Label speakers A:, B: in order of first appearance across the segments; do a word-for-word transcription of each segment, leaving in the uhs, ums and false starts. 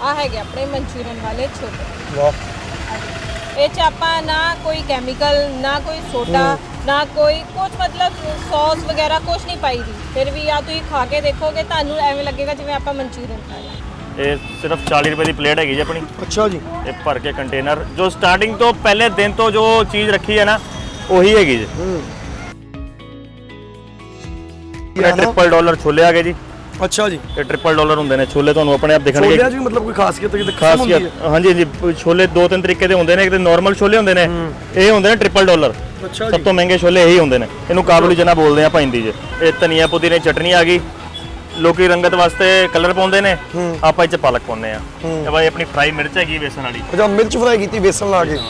A: ਆ ਹੈਗੇ ਆਪਣੇ ਮਨਚੂਰੀਅਨ ਵਾਲੇ ਛੋਲੇ।
B: ਵਾਹ,
A: ਇਹ ਚ ਆਪਾਂ ਨਾ ਕੋਈ ਕੈਮੀਕਲ ਨਾ ਕੋਈ ਸੋਡਾ ਨਾ ਕੋਈ ਕੁਝ ਮਤਲਬ ਸੌਸ ਵਗੈਰਾ ਕੁਝ ਨਹੀਂ ਪਾਈ ਦੀ। ਫਿਰ ਵੀ ਆ ਤੁਸੀਂ ਖਾ ਕੇ ਦੇਖੋਗੇ ਤੁਹਾਨੂੰ ਐਵੇਂ ਲੱਗੇਗਾ ਜਿਵੇਂ ਆਪਾਂ ਮਨਚੂਰੀਅਨ ਖਾਇਆ।
C: ਇਹ ਸਿਰਫ ਚਾਲੀ ਰੁਪਏ ਦੀ ਪਲੇਟ ਹੈਗੀ ਜੀ ਆਪਣੀ।
B: ਅੱਛਾ ਜੀ।
C: ਇਹ ਭਰ ਕੇ ਕੰਟੇਨਰ ਜੋ ਸਟਾਰਟਿੰਗ ਤੋਂ ਪਹਿਲੇ ਦਿਨ ਤੋਂ ਜੋ ਚੀਜ਼ ਰੱਖੀ ਹੈ ਨਾ ਉਹੀ ਹੈਗੀ ਜੀ।
B: ਹੂੰ,
C: ਇਹ ਟ੍ਰਿਪਲ ਡਾਲਰ ਛੋਲੇ ਆ ਗਏ ਜੀ।
B: ਅੱਛਾ ਜੀ।
C: ਇਹ ਟ੍ਰਿਪਲ ਡਾਲਰ ਹੁੰਦੇ ਨੇ ਛੋਲੇ, ਤੁਹਾਨੂੰ ਆਪਣੇ ਆਪ ਦਿਖਣਗੇ।
B: ਛੋਲਿਆਂ 'ਚ ਵੀ ਮਤਲਬ ਕੋਈ ਖਾਸੀਅਤ ਹੈ?
C: ਖਾਸੀਅਤ ਹਾਂਜੀ ਹਾਂਜੀ, ਛੋਲੇ ਦੋ ਤਿੰਨ ਤਰੀਕੇ ਦੇ ਹੁੰਦੇ ਨੇ। ਇੱਕ ਤੇ ਨਾਰਮਲ ਛੋਲੇ ਹੁੰਦੇ ਨੇ, ਇਹ ਹੁੰਦੇ ਨੇ ਟ੍ਰਿਪਲ ਡਾਲਰ।
B: ਅੱਛਾ
C: ਸਭ ਤੋਂ ਮਹਿੰਗੇ ਛੋਲੇ ਇਹੀ ਹੁੰਦੇ ਨੇ। ਇਹਨੂੰ ਕਾਬੁਲੀ ਚਨਾ ਬੋਲਦੇ ਆ ਭਾਈਂਦੀ ਜੀ। ਇਹ ਧਨੀਆ ਪੁਦੀਨੇ ਚਟਨੀ ਆ ਗਈ। ਲੋਕੀ ਰੰਗਤ ਵਾਸਤੇ ਕਲਰ ਪਾਉਂਦੇ ਨੇ, ਆਪਾਂ ਇਹ 'ਚ ਪਾਲਕ ਪਾਉਂਦੇ ਆ। ਇਹ ਬਾਈ ਆਪਣੀ ਫਰਾਈ ਮਿਰਚ ਹੈਗੀ ਬੇਸਨ ਵਾਲੀ।
B: ਅੱਛਾ, ਮਿਰਚ ਫਰਾਈ ਕੀਤੀ ਬੇਸਨ ਲਾ ਕੇ।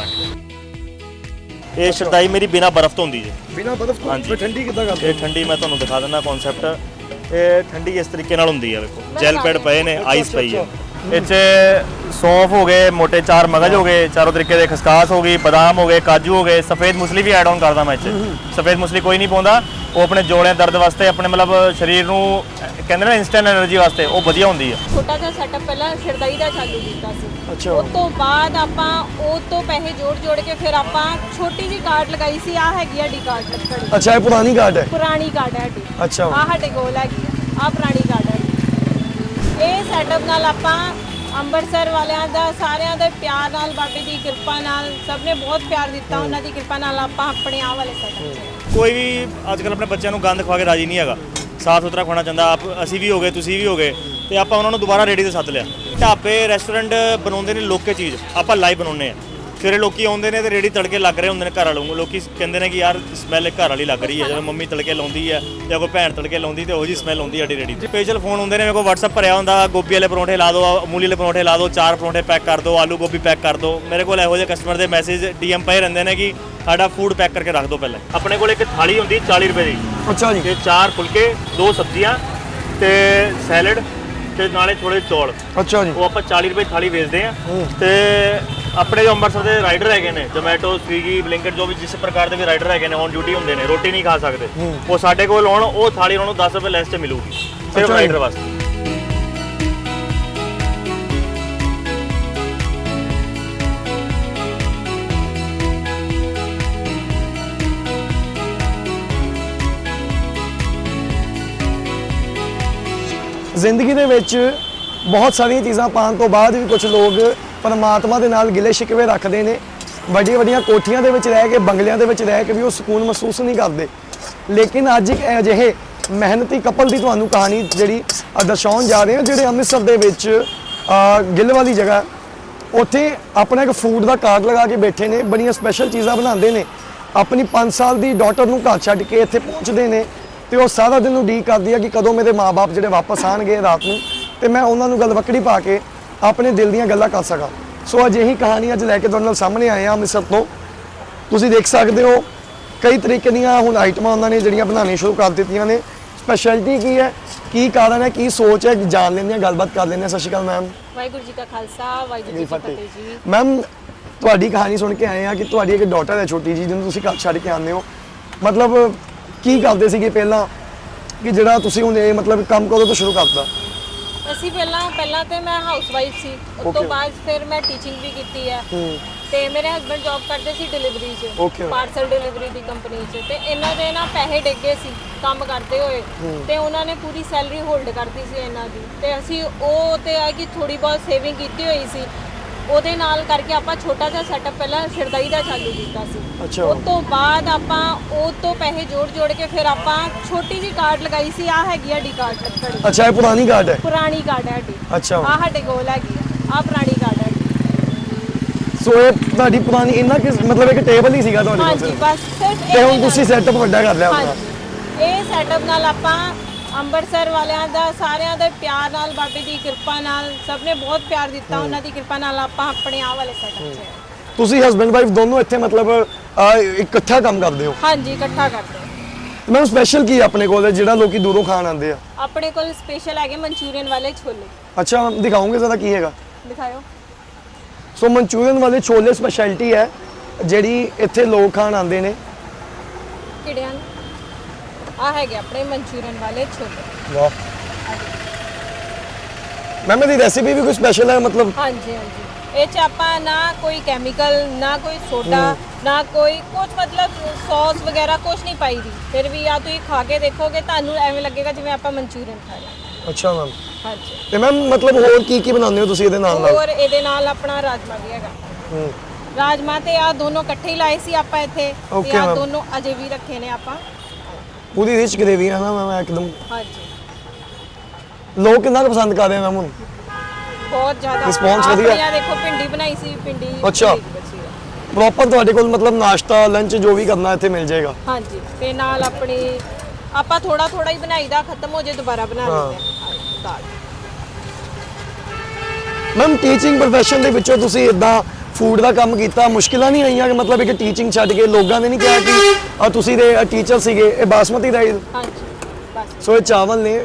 C: ਇਹ ਸ਼ਰਦਾਈ ਮੇਰੀ ਬਿਨਾ ਬਰਫ਼ ਤੋਂ ਹੁੰਦੀ ਜੀ।
B: ਬਿਨਾ ਬਰਫ਼ ਤੋਂ?
C: ਹਾਂਜੀ।
B: ਠੰਡੀ ਕਿੱਦਾਂ ਕਰਦੇ?
C: ਇਹ ਠੰਡੀ ਮੈਂ ਤੁਹਾਨੂੰ ਦਿਖਾ ਦਿੰਦਾ ਕਨਸੈਪਟ। ਇਹ ਠੰਡੀ ਇਸ ਤਰੀਕੇ ਨਾਲ ਹੁੰਦੀ ਹੈ। ਵੇਖੋ ਜੈਲ ਪੈਡ ਪਏ ਨੇ, ਆਈਸ ਪਈ ਹੈ। ਇਹ 'ਚ ਸੌਂਫ ਹੋ ਗਏ, ਮੋٹے ਚਾਰ ਮਗਜ ਹੋ ਗਏ, ਚਾਰੋਂ ਤਰੀਕੇ ਦੇ ਖਸਕਾਸ ਹੋ ਗਈ, ਬਦਾਮ ਹੋ ਗਏ, ਕਾਜੂ ਹੋ ਗਏ, ਸਫੇਦ ਮੁਸਲੀ ਵੀ ਐਡ ਆਨ ਕਰਦਾ ਮੈਂ ਇਹ 'ਚ। ਸਫੇਦ ਮੁਸਲੀ ਕੋਈ ਨਹੀਂ ਪਾਉਂਦਾ, ਉਹ ਆਪਣੇ ਜੋੜਿਆਂ ਦਰਦ ਵਾਸਤੇ, ਆਪਣੇ ਮਤਲਬ ਸਰੀਰ ਨੂੰ ਕਹਿੰਦੇ ਨਾ ਇਨਸਟੈਂਟ એનર્ਜੀ ਵਾਸਤੇ ਉਹ ਵਧੀਆ ਹੁੰਦੀ ਹੈ।
A: ਛੋਟਾ ਜਿਹਾ ਸੈਟਅਪ ਪਹਿਲਾਂ ਸ਼ਰਦਾਈ ਦਾ ਚਾਲੂ ਕੀਤਾ ਸੀ।
B: ਅੱਛਾ।
A: ਉਸ ਤੋਂ ਬਾਅਦ ਆਪਾਂ ਉਹ ਤੋਂ ਪੈਸੇ ਜੋੜ ਜੋੜ ਕੇ ਫਿਰ ਆਪਾਂ ਛੋਟੀ ਜੀ ਕਾਰਡ ਲਗਾਈ ਸੀ। ਆ ਹੈਗੀ ਆ ਡੀ ਕਾਰਡ ਲੱਕੜੀ।
B: ਅੱਛਾ, ਇਹ ਪੁਰਾਣੀ ਕਾਰਡ ਹੈ?
A: ਪੁਰਾਣੀ ਕਾਰਡ ਹੈ ਡੀ।
B: ਅੱਛਾ।
A: ਆ ਸਾਡੇ ਕੋਲ ਹੈਗੀ ਆ, ਆ ਪੁਰਾਣੀ ਕਾਰਡ ਹੈ। ਇਹ ਸੈਟਅਪ ਨਾਲ ਆਪਾਂ ਅੰਮ੍ਰਿਤਸਰ ਵਾਲਿਆਂ ਦਾ ਸਾਰਿਆਂ ਦੇ ਪਿਆਰ ਨਾਲ, ਬਾਬੇ ਦੀ ਕਿਰਪਾ ਨਾਲ, ਸਭ ਨੇ ਬਹੁਤ ਪਿਆਰ ਦਿੱਤਾ, ਉਹਨਾਂ ਦੀ ਕਿਰਪਾ ਨਾਲ ਆਪਾਂ ਆਪਣੇ ਆਹ ਵਾਲੇ ਸੈਟਅਪ 'ਚ।
C: ਕੋਈ ਵੀ ਅੱਜ ਕੱਲ੍ਹ ਆਪਣੇ ਬੱਚਿਆਂ ਨੂੰ ਗੰਦ ਖਵਾ ਕੇ ਰਾਜੀ ਨਹੀਂ ਹੈਗਾ। ਸਾਫ ਸੁਥਰਾ ਖਾਣਾ ਚਾਹੁੰਦਾ। ਆਪ ਅਸੀਂ ਵੀ ਹੋ ਗਏ, ਤੁਸੀਂ ਵੀ ਹੋ ਗਏ, ਤੇ ਆਪਾਂ ਉਹਨਾਂ ਨੂੰ ਦੁਬਾਰਾ ਰੇੜੀ ਤੇ ਸੱਦ ਲਿਆ। ਢਾਬੇ ਰੈਸਟੋਰੈਂਟ ਬਣਾਉਂਦੇ ਨੇ ਲੋਕੇ ਚੀਜ਼, ਆਪਾਂ ਲਾਈਵ ਬਣਾਉਂਦੇ ਆ। ਫਿਰ ਲੋਕੀ ਆਉਂਦੇ ਨੇ ਤੇ ਰੇੜੀ ਤੜਕੇ ਲੱਗ ਰਹੇ ਹੁੰਦੇ ਨੇ ਘਰ ਵਾਲੋਂ। ਲੋਕੀ ਕਹਿੰਦੇ ਨੇ ਕਿ ਯਾਰ ਸਮੈਲ ਘਰ ਵਾਲੀ ਲੱਗ ਰਹੀ ਹੈ। ਜਦੋਂ ਮੰਮੀ ਤੜਕੇ ਲਾਉਂਦੀ ਹੈ ਜਾਂ ਕੋਈ ਭੈਣ ਤੜਕੇ ਲਾਉਂਦੀ ਤੇ ਉਹੋ ਜਿਹੀ ਸਮੈਲ ਆਉਂਦੀ ਸਾਡੀ ਰੇੜੀ ਤੇ। ਸਪੈਸ਼ਲ ਫੋਨ ਹੁੰਦੇ ਨੇ ਮੇਰੇ ਕੋਲ, WhatsApp ਭਰਿਆ ਹੁੰਦਾ, ਗੋਭੀ ਵਾਲੇ ਪਰੌਂਠੇ ਲਾ ਦਿਓ, ਮੂਲੀ ਵਾਲੇ ਪਰੌਂਠੇ ਲਾ ਦਿਓ, ਚਾਰ ਪਰੌਂਠੇ ਪੈਕ ਕਰ ਦਿਓ, ਆਲੂ ਗੋਭੀ ਪੈਕ ਕਰ ਦਿਓ। ਮੇਰੇ ਕੋਲ ਇਹੋ ਜਿਹੇ ਕਸਟਮਰ ਦੇ ਮੈਸੇਜ ਡੀਐਮ ਪਏ ਰਹਿੰਦੇ ਨੇ ਕਿ ਸਾਡਾ ਫੂਡ ਪੈਕ ਕਰਕੇ ਰੱਖ ਦਿਓ ਪਹਿਲਾਂ। ਆਪਣੇ ਕੋਲ ਇੱਕ ਥਾਲੀ ਹੁੰਦੀ ਚਾਲੀ ਰੁਪਏ ਦੀ।
B: ਅੱਛਾ ਜੀ।
C: ਤੇ ਚਾਰ ਫੁਲਕੇ, ਦੋ ਸਬਜ਼ੀਆਂ ਤੇ ਸੈਲਡ ਤੇ ਨਾਲੇ ਥੋੜੇ ਚੌਲ।
B: ਅੱਛਾ ਜੀ।
C: ਉਹ ਆਪਾਂ ਚਾਲੀ ਰੁਪਏ ਥਾਲੀ ਵੇਚਦੇ ਆ। ਤੇ ਆਪਣੇ ਜੋ ਅੰਮ੍ਰਿਤਸਰ ਦੇ ਰਾਈਡਰ ਹੈਗੇ ਨੇ, ਜ਼ੋਮੈਟੋ, ਸਵੀਗੀ, ਬਲਿੰਕਟ, ਜੋ ਵੀ ਜਿਸ ਪ੍ਰਕਾਰ ਦੇ ਵੀ ਰਾਈਡਰ ਹੈਗੇ ਨੇ, ਔਨ ਡਿਊਟੀ ਹੁੰਦੇ ਨੇ, ਰੋਟੀ ਨਹੀਂ ਖਾ ਸਕਦੇ, ਉਹ ਸਾਡੇ ਕੋਲ ਆਉਣ, ਉਹ ਥਾਲੀ ਉਹਨਾਂ ਨੂੰ ਦਸ ਰੁਪਏ ਲੈਸ 'ਚ ਮਿਲੂਗੀ ਸਿਰਫ ਰਾਈਡਰ ਵਾਸਤੇ।
B: ਜ਼ਿੰਦਗੀ ਦੇ ਵਿੱਚ ਬਹੁਤ ਸਾਰੀਆਂ ਚੀਜ਼ਾਂ ਪਾਉਣ ਤੋਂ ਬਾਅਦ ਵੀ ਕੁਝ ਲੋਕ ਪਰਮਾਤਮਾ ਦੇ ਨਾਲ ਗਿਲੇ ਸ਼ਿਕਵੇ ਰੱਖਦੇ ਨੇ। ਵੱਡੀਆਂ ਵੱਡੀਆਂ ਕੋਠੀਆਂ ਦੇ ਵਿੱਚ ਰਹਿ ਕੇ, ਬੰਗਲਿਆਂ ਦੇ ਵਿੱਚ ਰਹਿ ਕੇ ਵੀ ਉਹ ਸਕੂਨ ਮਹਿਸੂਸ ਨਹੀਂ ਕਰਦੇ। ਲੇਕਿਨ ਅੱਜ ਇੱਕ ਅਜਿਹੇ ਮਿਹਨਤੀ ਕਪਲ ਦੀ ਤੁਹਾਨੂੰ ਕਹਾਣੀ ਜਿਹੜੀ ਦਰਸਾਉਣ ਜਾ ਰਹੇ ਹਾਂ, ਜਿਹੜੇ ਅੰਮ੍ਰਿਤਸਰ ਦੇ ਵਿੱਚ ਗਿੱਲ ਵਾਲੀ ਜਗ੍ਹਾ, ਉੱਥੇ ਆਪਣਾ ਇੱਕ ਫੂਡ ਦਾ ਕਾਰਟ ਲਗਾ ਕੇ ਬੈਠੇ ਨੇ। ਬੜੀਆਂ ਸਪੈਸ਼ਲ ਚੀਜ਼ਾਂ ਬਣਾਉਂਦੇ ਨੇ। ਆਪਣੀ ਪੰਜ ਸਾਲ ਦੀ ਡਾਟਰ ਨੂੰ ਘਰ ਛੱਡ ਕੇ ਇੱਥੇ ਪਹੁੰਚਦੇ ਨੇ ਤੇ ਉਹ ਸਾਰਾ ਦਿਨ ਉਡੀਕ ਕਰਦੀ ਆ ਕਿ ਕਦੋਂ ਮੇਰੇ ਮਾਪੇ ਜਿਹੜੇ ਵਾਪਸ ਆਣਗੇ ਰਾਤ ਨੂੰ, ਤੇ ਮੈਂ ਉਹਨਾਂ ਨੂੰ ਗਲਵੱਕੜੀ ਪਾ ਕੇ ਆਪਣੇ ਦਿਲ ਦੀਆਂ ਗੱਲਾਂ ਕਰ ਸਕਾਂ। ਸੋ ਅਜਿਹੀ ਕਹਾਣੀ ਅੱਜ ਲੈ ਕੇ ਤੁਹਾਡੇ ਨਾਲ ਸਾਹਮਣੇ ਆਏ ਹਾਂ ਅੰਮ੍ਰਿਤਸਰ ਤੋਂ। ਤੁਸੀਂ ਦੇਖ ਸਕਦੇ ਹੋ ਕਈ ਤਰੀਕੇ ਦੀਆਂ ਹੁਣ ਆਈਟਮਾਂ ਉਹਨਾਂ ਨੇ ਜਿਹੜੀਆਂ ਬਣਾਉਣੀਆਂ ਸ਼ੁਰੂ ਕਰ ਦਿੱਤੀਆਂ ਨੇ। ਸਪੈਸ਼ਲਿਟੀ ਕੀ ਹੈ, ਕੀ ਕਾਰਨ ਹੈ, ਕੀ ਸੋਚ ਹੈ, ਜਾਣ ਲੈਂਦੇ ਹਾਂ, ਗੱਲਬਾਤ ਕਰ ਲੈਂਦੇ ਹਾਂ। ਸਤਿ ਸ਼੍ਰੀ ਅਕਾਲ ਮੈਮ।
A: ਵਾਹਿਗੁਰੂ ਜੀ ਕਾ ਖਾਲਸਾ, ਵਾਹਿਗੁਰੂ ਜੀ ਕੀ ਫਤਿਹ ਜੀ।
B: ਮੈਮ, ਤੁਹਾਡੀ ਕਹਾਣੀ ਸੁਣ ਕੇ ਆਏ ਹਾਂ ਕਿ ਤੁਹਾਡੀ ਇੱਕ ਡਾਟਰ ਹੈ ਛੋਟੀ ਜੀ, ਜਿਹਨੂੰ ਤੁਸੀਂ ਘਰ ਛੱਡ ਕੇ ਆਉਂਦੇ ਹੋ। ਮਤਲਬ ਕੀ ਕਰਦੇ ਸੀਗੇ ਪਹਿਲਾਂ ਕਿ ਜਿਹੜਾ ਤੁਸੀਂ ਹੁਣ ਇਹ ਮਤਲਬ ਕੰਮ ਕਦੋਂ ਤੋਂ ਸ਼ੁਰੂ ਕਰਤਾ?
A: ਅਸੀਂ ਪਹਿਲਾਂ ਪਹਿਲਾਂ ਤੇ ਮੈਂ ਹਾਊਸ ਵਾਈਫ ਸੀ। ਉਸ ਤੋਂ ਬਾਅਦ ਫਿਰ ਮੈਂ ਟੀਚਿੰਗ ਵੀ ਕੀਤੀ ਹੈ। ਤੇ ਮੇਰੇ ਹਸਬੰਡ ਜੌਬ ਕਰਦੇ ਸੀ ਡਿਲੀਵਰੀ 'ਚ, ਪਾਰਸਲ ਡਿਲੀਵਰੀ ਦੀ ਕੰਪਨੀ 'ਚ। ਤੇ ਇਹਨਾਂ ਦੇ ਨਾ ਪੈਸੇ ਡਿੱਗੇ ਸੀ ਕੰਮ ਕਰਦੇ ਹੋਏ, ਤੇ ਉਹਨਾਂ ਨੇ ਪੂਰੀ ਸੈਲਰੀ ਹੋਲਡ ਕਰਤੀ ਸੀ ਇਹਨਾਂ ਦੀ। ਤੇ ਅਸੀਂ ਉਹ ਤੇ ਆ ਕਿ ਥੋੜੀ ਬਹੁਤ ਸੇਵਿੰਗ ਕੀਤੀ ਹੋਈ ਸੀ, ਉਹਦੇ ਨਾਲ ਕਰਕੇ ਆਪਾਂ ਛੋਟਾ ਜਿਹਾ ਸੈਟਅਪ ਪਹਿਲਾਂ ਸ਼ਰਦਾਈ ਦਾ ਚਾਲੂ ਕੀਤਾ ਸੀ। ਉਸ ਤੋਂ ਬਾਅਦ ਆਪਾਂ ਉਹ ਤੋਂ ਪੈਸੇ ਜੋੜ ਜੋੜ ਕੇ ਫਿਰ ਆਪਾਂ ਛੋਟੀ ਜੀ ਕਾਰਡ ਲਗਾਈ ਸੀ। ਆ ਹੈਗੀ ਆ ਡੀ ਕਾਰਡ ਲੱਕੜੀ।
B: ਅੱਛਾ, ਇਹ ਪੁਰਾਣੀ ਕਾਰਡ ਹੈ?
A: ਪੁਰਾਣੀ ਕਾਰਡ ਹੈ ਡੀ।
B: ਅੱਛਾ।
A: ਆ ਸਾਡੇ ਕੋਲ ਹੈਗੀ ਆ, ਆ ਪੁਰਾਣੀ ਕਾਰਡ ਹੈ।
B: ਸੋ ਇਹ ਤੁਹਾਡੀ ਪੁਰਾਣੀ ਇਹਨਾਂ ਕਿ ਮਤਲਬ ਇੱਕ ਟੇਬਲ ਹੀ ਸੀਗਾ ਤੁਹਾਡੇ ਕੋਲ?
A: ਹਾਂਜੀ, ਬਸ ਸਿਰਫ
B: ਤੇ ਹੁਣ ਤੁਸੀਂ ਸੈਟਅਪ ਵੱਡਾ ਕਰ ਲਿਆ ਆਪਣਾ?
A: ਇਹ ਸੈਟਅਪ ਨਾਲ ਆਪਾਂ ਅੰਮ੍ਰਿਤਸਰ ਵਾਲਿਆਂ ਦਾ ਸਾਰਿਆਂ ਦੇ ਪਿਆਰ ਨਾਲ, ਬਾਬੇ ਦੀ ਕਿਰਪਾ ਨਾਲ, ਸਭ ਨੇ ਬਹੁਤ ਪਿਆਰ ਦਿੱਤਾ, ਉਹਨਾਂ ਦੀ ਕਿਰਪਾ ਨਾਲ ਆਪਾਂ ਆਪਣੇ ਆਹ ਵਾਲੇ ਸੈਟਅਪ 'ਚ।
B: ਤੁਸੀਂ ਹਸਬੰਡ ਵਾਈਫ ਦੋਨੋਂ ਇੱਥੇ ਮਤਲਬ ਇਕੱਠਾ ਕੰਮ ਕਰਦੇ ਹੋ?
A: ਹਾਂਜੀ, ਇਕੱਠਾ ਕਰਦੇ ਹਾਂ।
B: ਮੈਮ, ਸਪੈਸ਼ਲ ਕੀ ਆਪਣੇ ਕੋਲ ਜਿਹੜਾ ਲੋਕੀ ਦੂਰੋਂ ਖਾਣ ਆਉਂਦੇ ਆ?
A: ਆਪਣੇ ਕੋਲ ਸਪੈਸ਼ਲ ਹੈਗੇ ਮਨਚੂਰੀਅਨ ਵਾਲੇ ਛੋਲੇ।
B: ਅੱਛਾ, ਦਿਖਾਓਗੇ ਜ਼ਰਾ ਕੀ ਹੈਗਾ?
A: ਦਿਖਾਓ।
B: ਸੋ ਮਨਚੂਰੀਅਨ ਵਾਲੇ ਛੋਲੇ ਸਪੈਸ਼ਲਿਟੀ ਹੈ ਜਿਹੜੀ ਇੱਥੇ ਲੋਕ ਖਾਣ ਆਉਂਦੇ ਨੇ।
A: ਕਿਹੜੇ ਹਨ? ਆ ਹੈਗੇ ਆਪਣੇ ਮਨਚੂਰੀਅਨ ਵਾਲੇ ਛੋਲੇ।
B: ਵਾਹ, ਮੈਮ ਇਹਦੀ ਰੈਸਿਪੀ ਵੀ ਕੋਈ ਸਪੈਸ਼ਲ ਹੈ ਮਤਲਬ?
A: ਹਾਂਜੀ ਹਾਂਜੀ ਇਹ ਚ ਆਪਾਂ ਨਾ ਕੋਈ ਕੈਮੀਕਲ ਨਾ ਕੋਈ ਸੋਡਾ ਨਾ ਕੋਈ ਕੁਝ ਮਤਲਬ ਸੌਸ ਵਗੈਰਾ ਕੁਝ ਨਹੀਂ ਪਾਈ ਦੀ। ਫਿਰ ਵੀ ਆ ਤੁਸੀਂ ਖਾ ਕੇ ਦੇਖੋਗੇ ਤੁਹਾਨੂੰ ਐਵੇਂ ਲੱਗੇਗਾ ਜਿਵੇਂ ਆਪਾਂ ਮਨਚੂਰੀਅਨ ਖਾ ਰਹੇ ਹਾਂ।
B: ਅੱਛਾ ਮੈਮ।
A: ਹਾਂਜੀ
B: ਤੇ ਮੈਮ ਮਤਲਬ ਹੋਰ ਕੀ ਕੀ ਬਣਾਉਂਦੇ ਹੋ ਤੁਸੀਂ ਇਹਦੇ ਨਾਲ ਨਾਲ?
A: ਹੋਰ ਇਹਦੇ ਨਾਲ ਆਪਣਾ ਰਾਜਮਾ ਵੀ ਹੈਗਾ।
B: ਹੂੰ
A: ਰਾਜਮਾ ਤੇ ਆ ਦੋਨੋਂ ਇਕੱਠੇ ਹੀ ਲਾਏ ਸੀ ਆਪਾਂ ਇੱਥੇ ਤੇ
B: Okay,
A: ਆ
B: ma'am.
A: ਦੋਨੋਂ ਅਜੇ ਵੀ ਰੱਖੇ ਨੇ ਆਪਾਂ।
B: ਪੂਰੀ ਰਿਚ ਗ੍ਰੇਵੀ ਹੈ ਨਾ ਮੈਮ ਇੱਕਦਮ।
A: ਹਾਂਜੀ
B: ਲੋਕ ਕਿੰਨਾ ਕੁ ਪਸੰਦ ਕਰ ਰਹੇ ਮੈਮ ਹੁਣ?
A: ਬਹੁਤ ਜ਼ਿਆਦਾ
B: Response ਵਧੀਆ?
A: ਆਪਣੀ ਆਹ ਦੇਖੋ ਭਿੰਡੀ ਬਣਾਈ ਸੀ ਭਿੰਡੀ
B: ਅੱਛਾ।
A: ਬੜੀ ਬਚੀ ਆ।
B: ਪ੍ਰੋਪਰ ਤੁਹਾਡੇ ਕੋਲ ਮਤਲਬ ਨਾਸ਼ਤਾ ਲੰਚ ਜੋ ਵੀ ਕਰਨਾ ਇੱਥੇ ਮਿਲ ਜਾਏਗਾ?
A: ਹਾਂਜੀ ਤੇ ਨਾਲ ਆਪਣੀ ਆਪਾਂ ਥੋੜਾ ਥੋੜਾ ਹੀ ਬਣਾਈਦਾ ਖਤਮ ਹੋ ਜੇ ਦੁਬਾਰਾ ਬਣਾ ਲੈਂਦੇ ਹਾਂ ਦਾਲ।
B: ਮੈਮ ਟੀਚਿੰਗ ਪ੍ਰੋਫੈਸ਼ਨ ਦੇ ਵਿੱਚੋਂ ਤੁਸੀਂ ਇਦਾਂ ਫੂਡ ਦਾ ਕੰਮ ਕੀਤਾ, ਮੁਸ਼ਕਿਲਾਂ ਨਹੀਂ ਆਈਆਂ ਕਿ ਮਤਲਬ ਇੱਕ ਟੀਚਿੰਗ ਛੱਡ ਕੇ ਲੋਕਾਂ ਨੇ ਨਹੀਂ ਕਿਹਾ ਕਿ ਆ ਤੁਸੀਂ ਦੇ ਟੀਚਰ ਸੀਗੇ ਇਹ ਬਾਸਮਤੀ ਰਾਈਸ?
A: ਹਾਂਜੀ ਬਸ
B: ਸੋ ਇਹ ਚਾਵਲ ਨੇ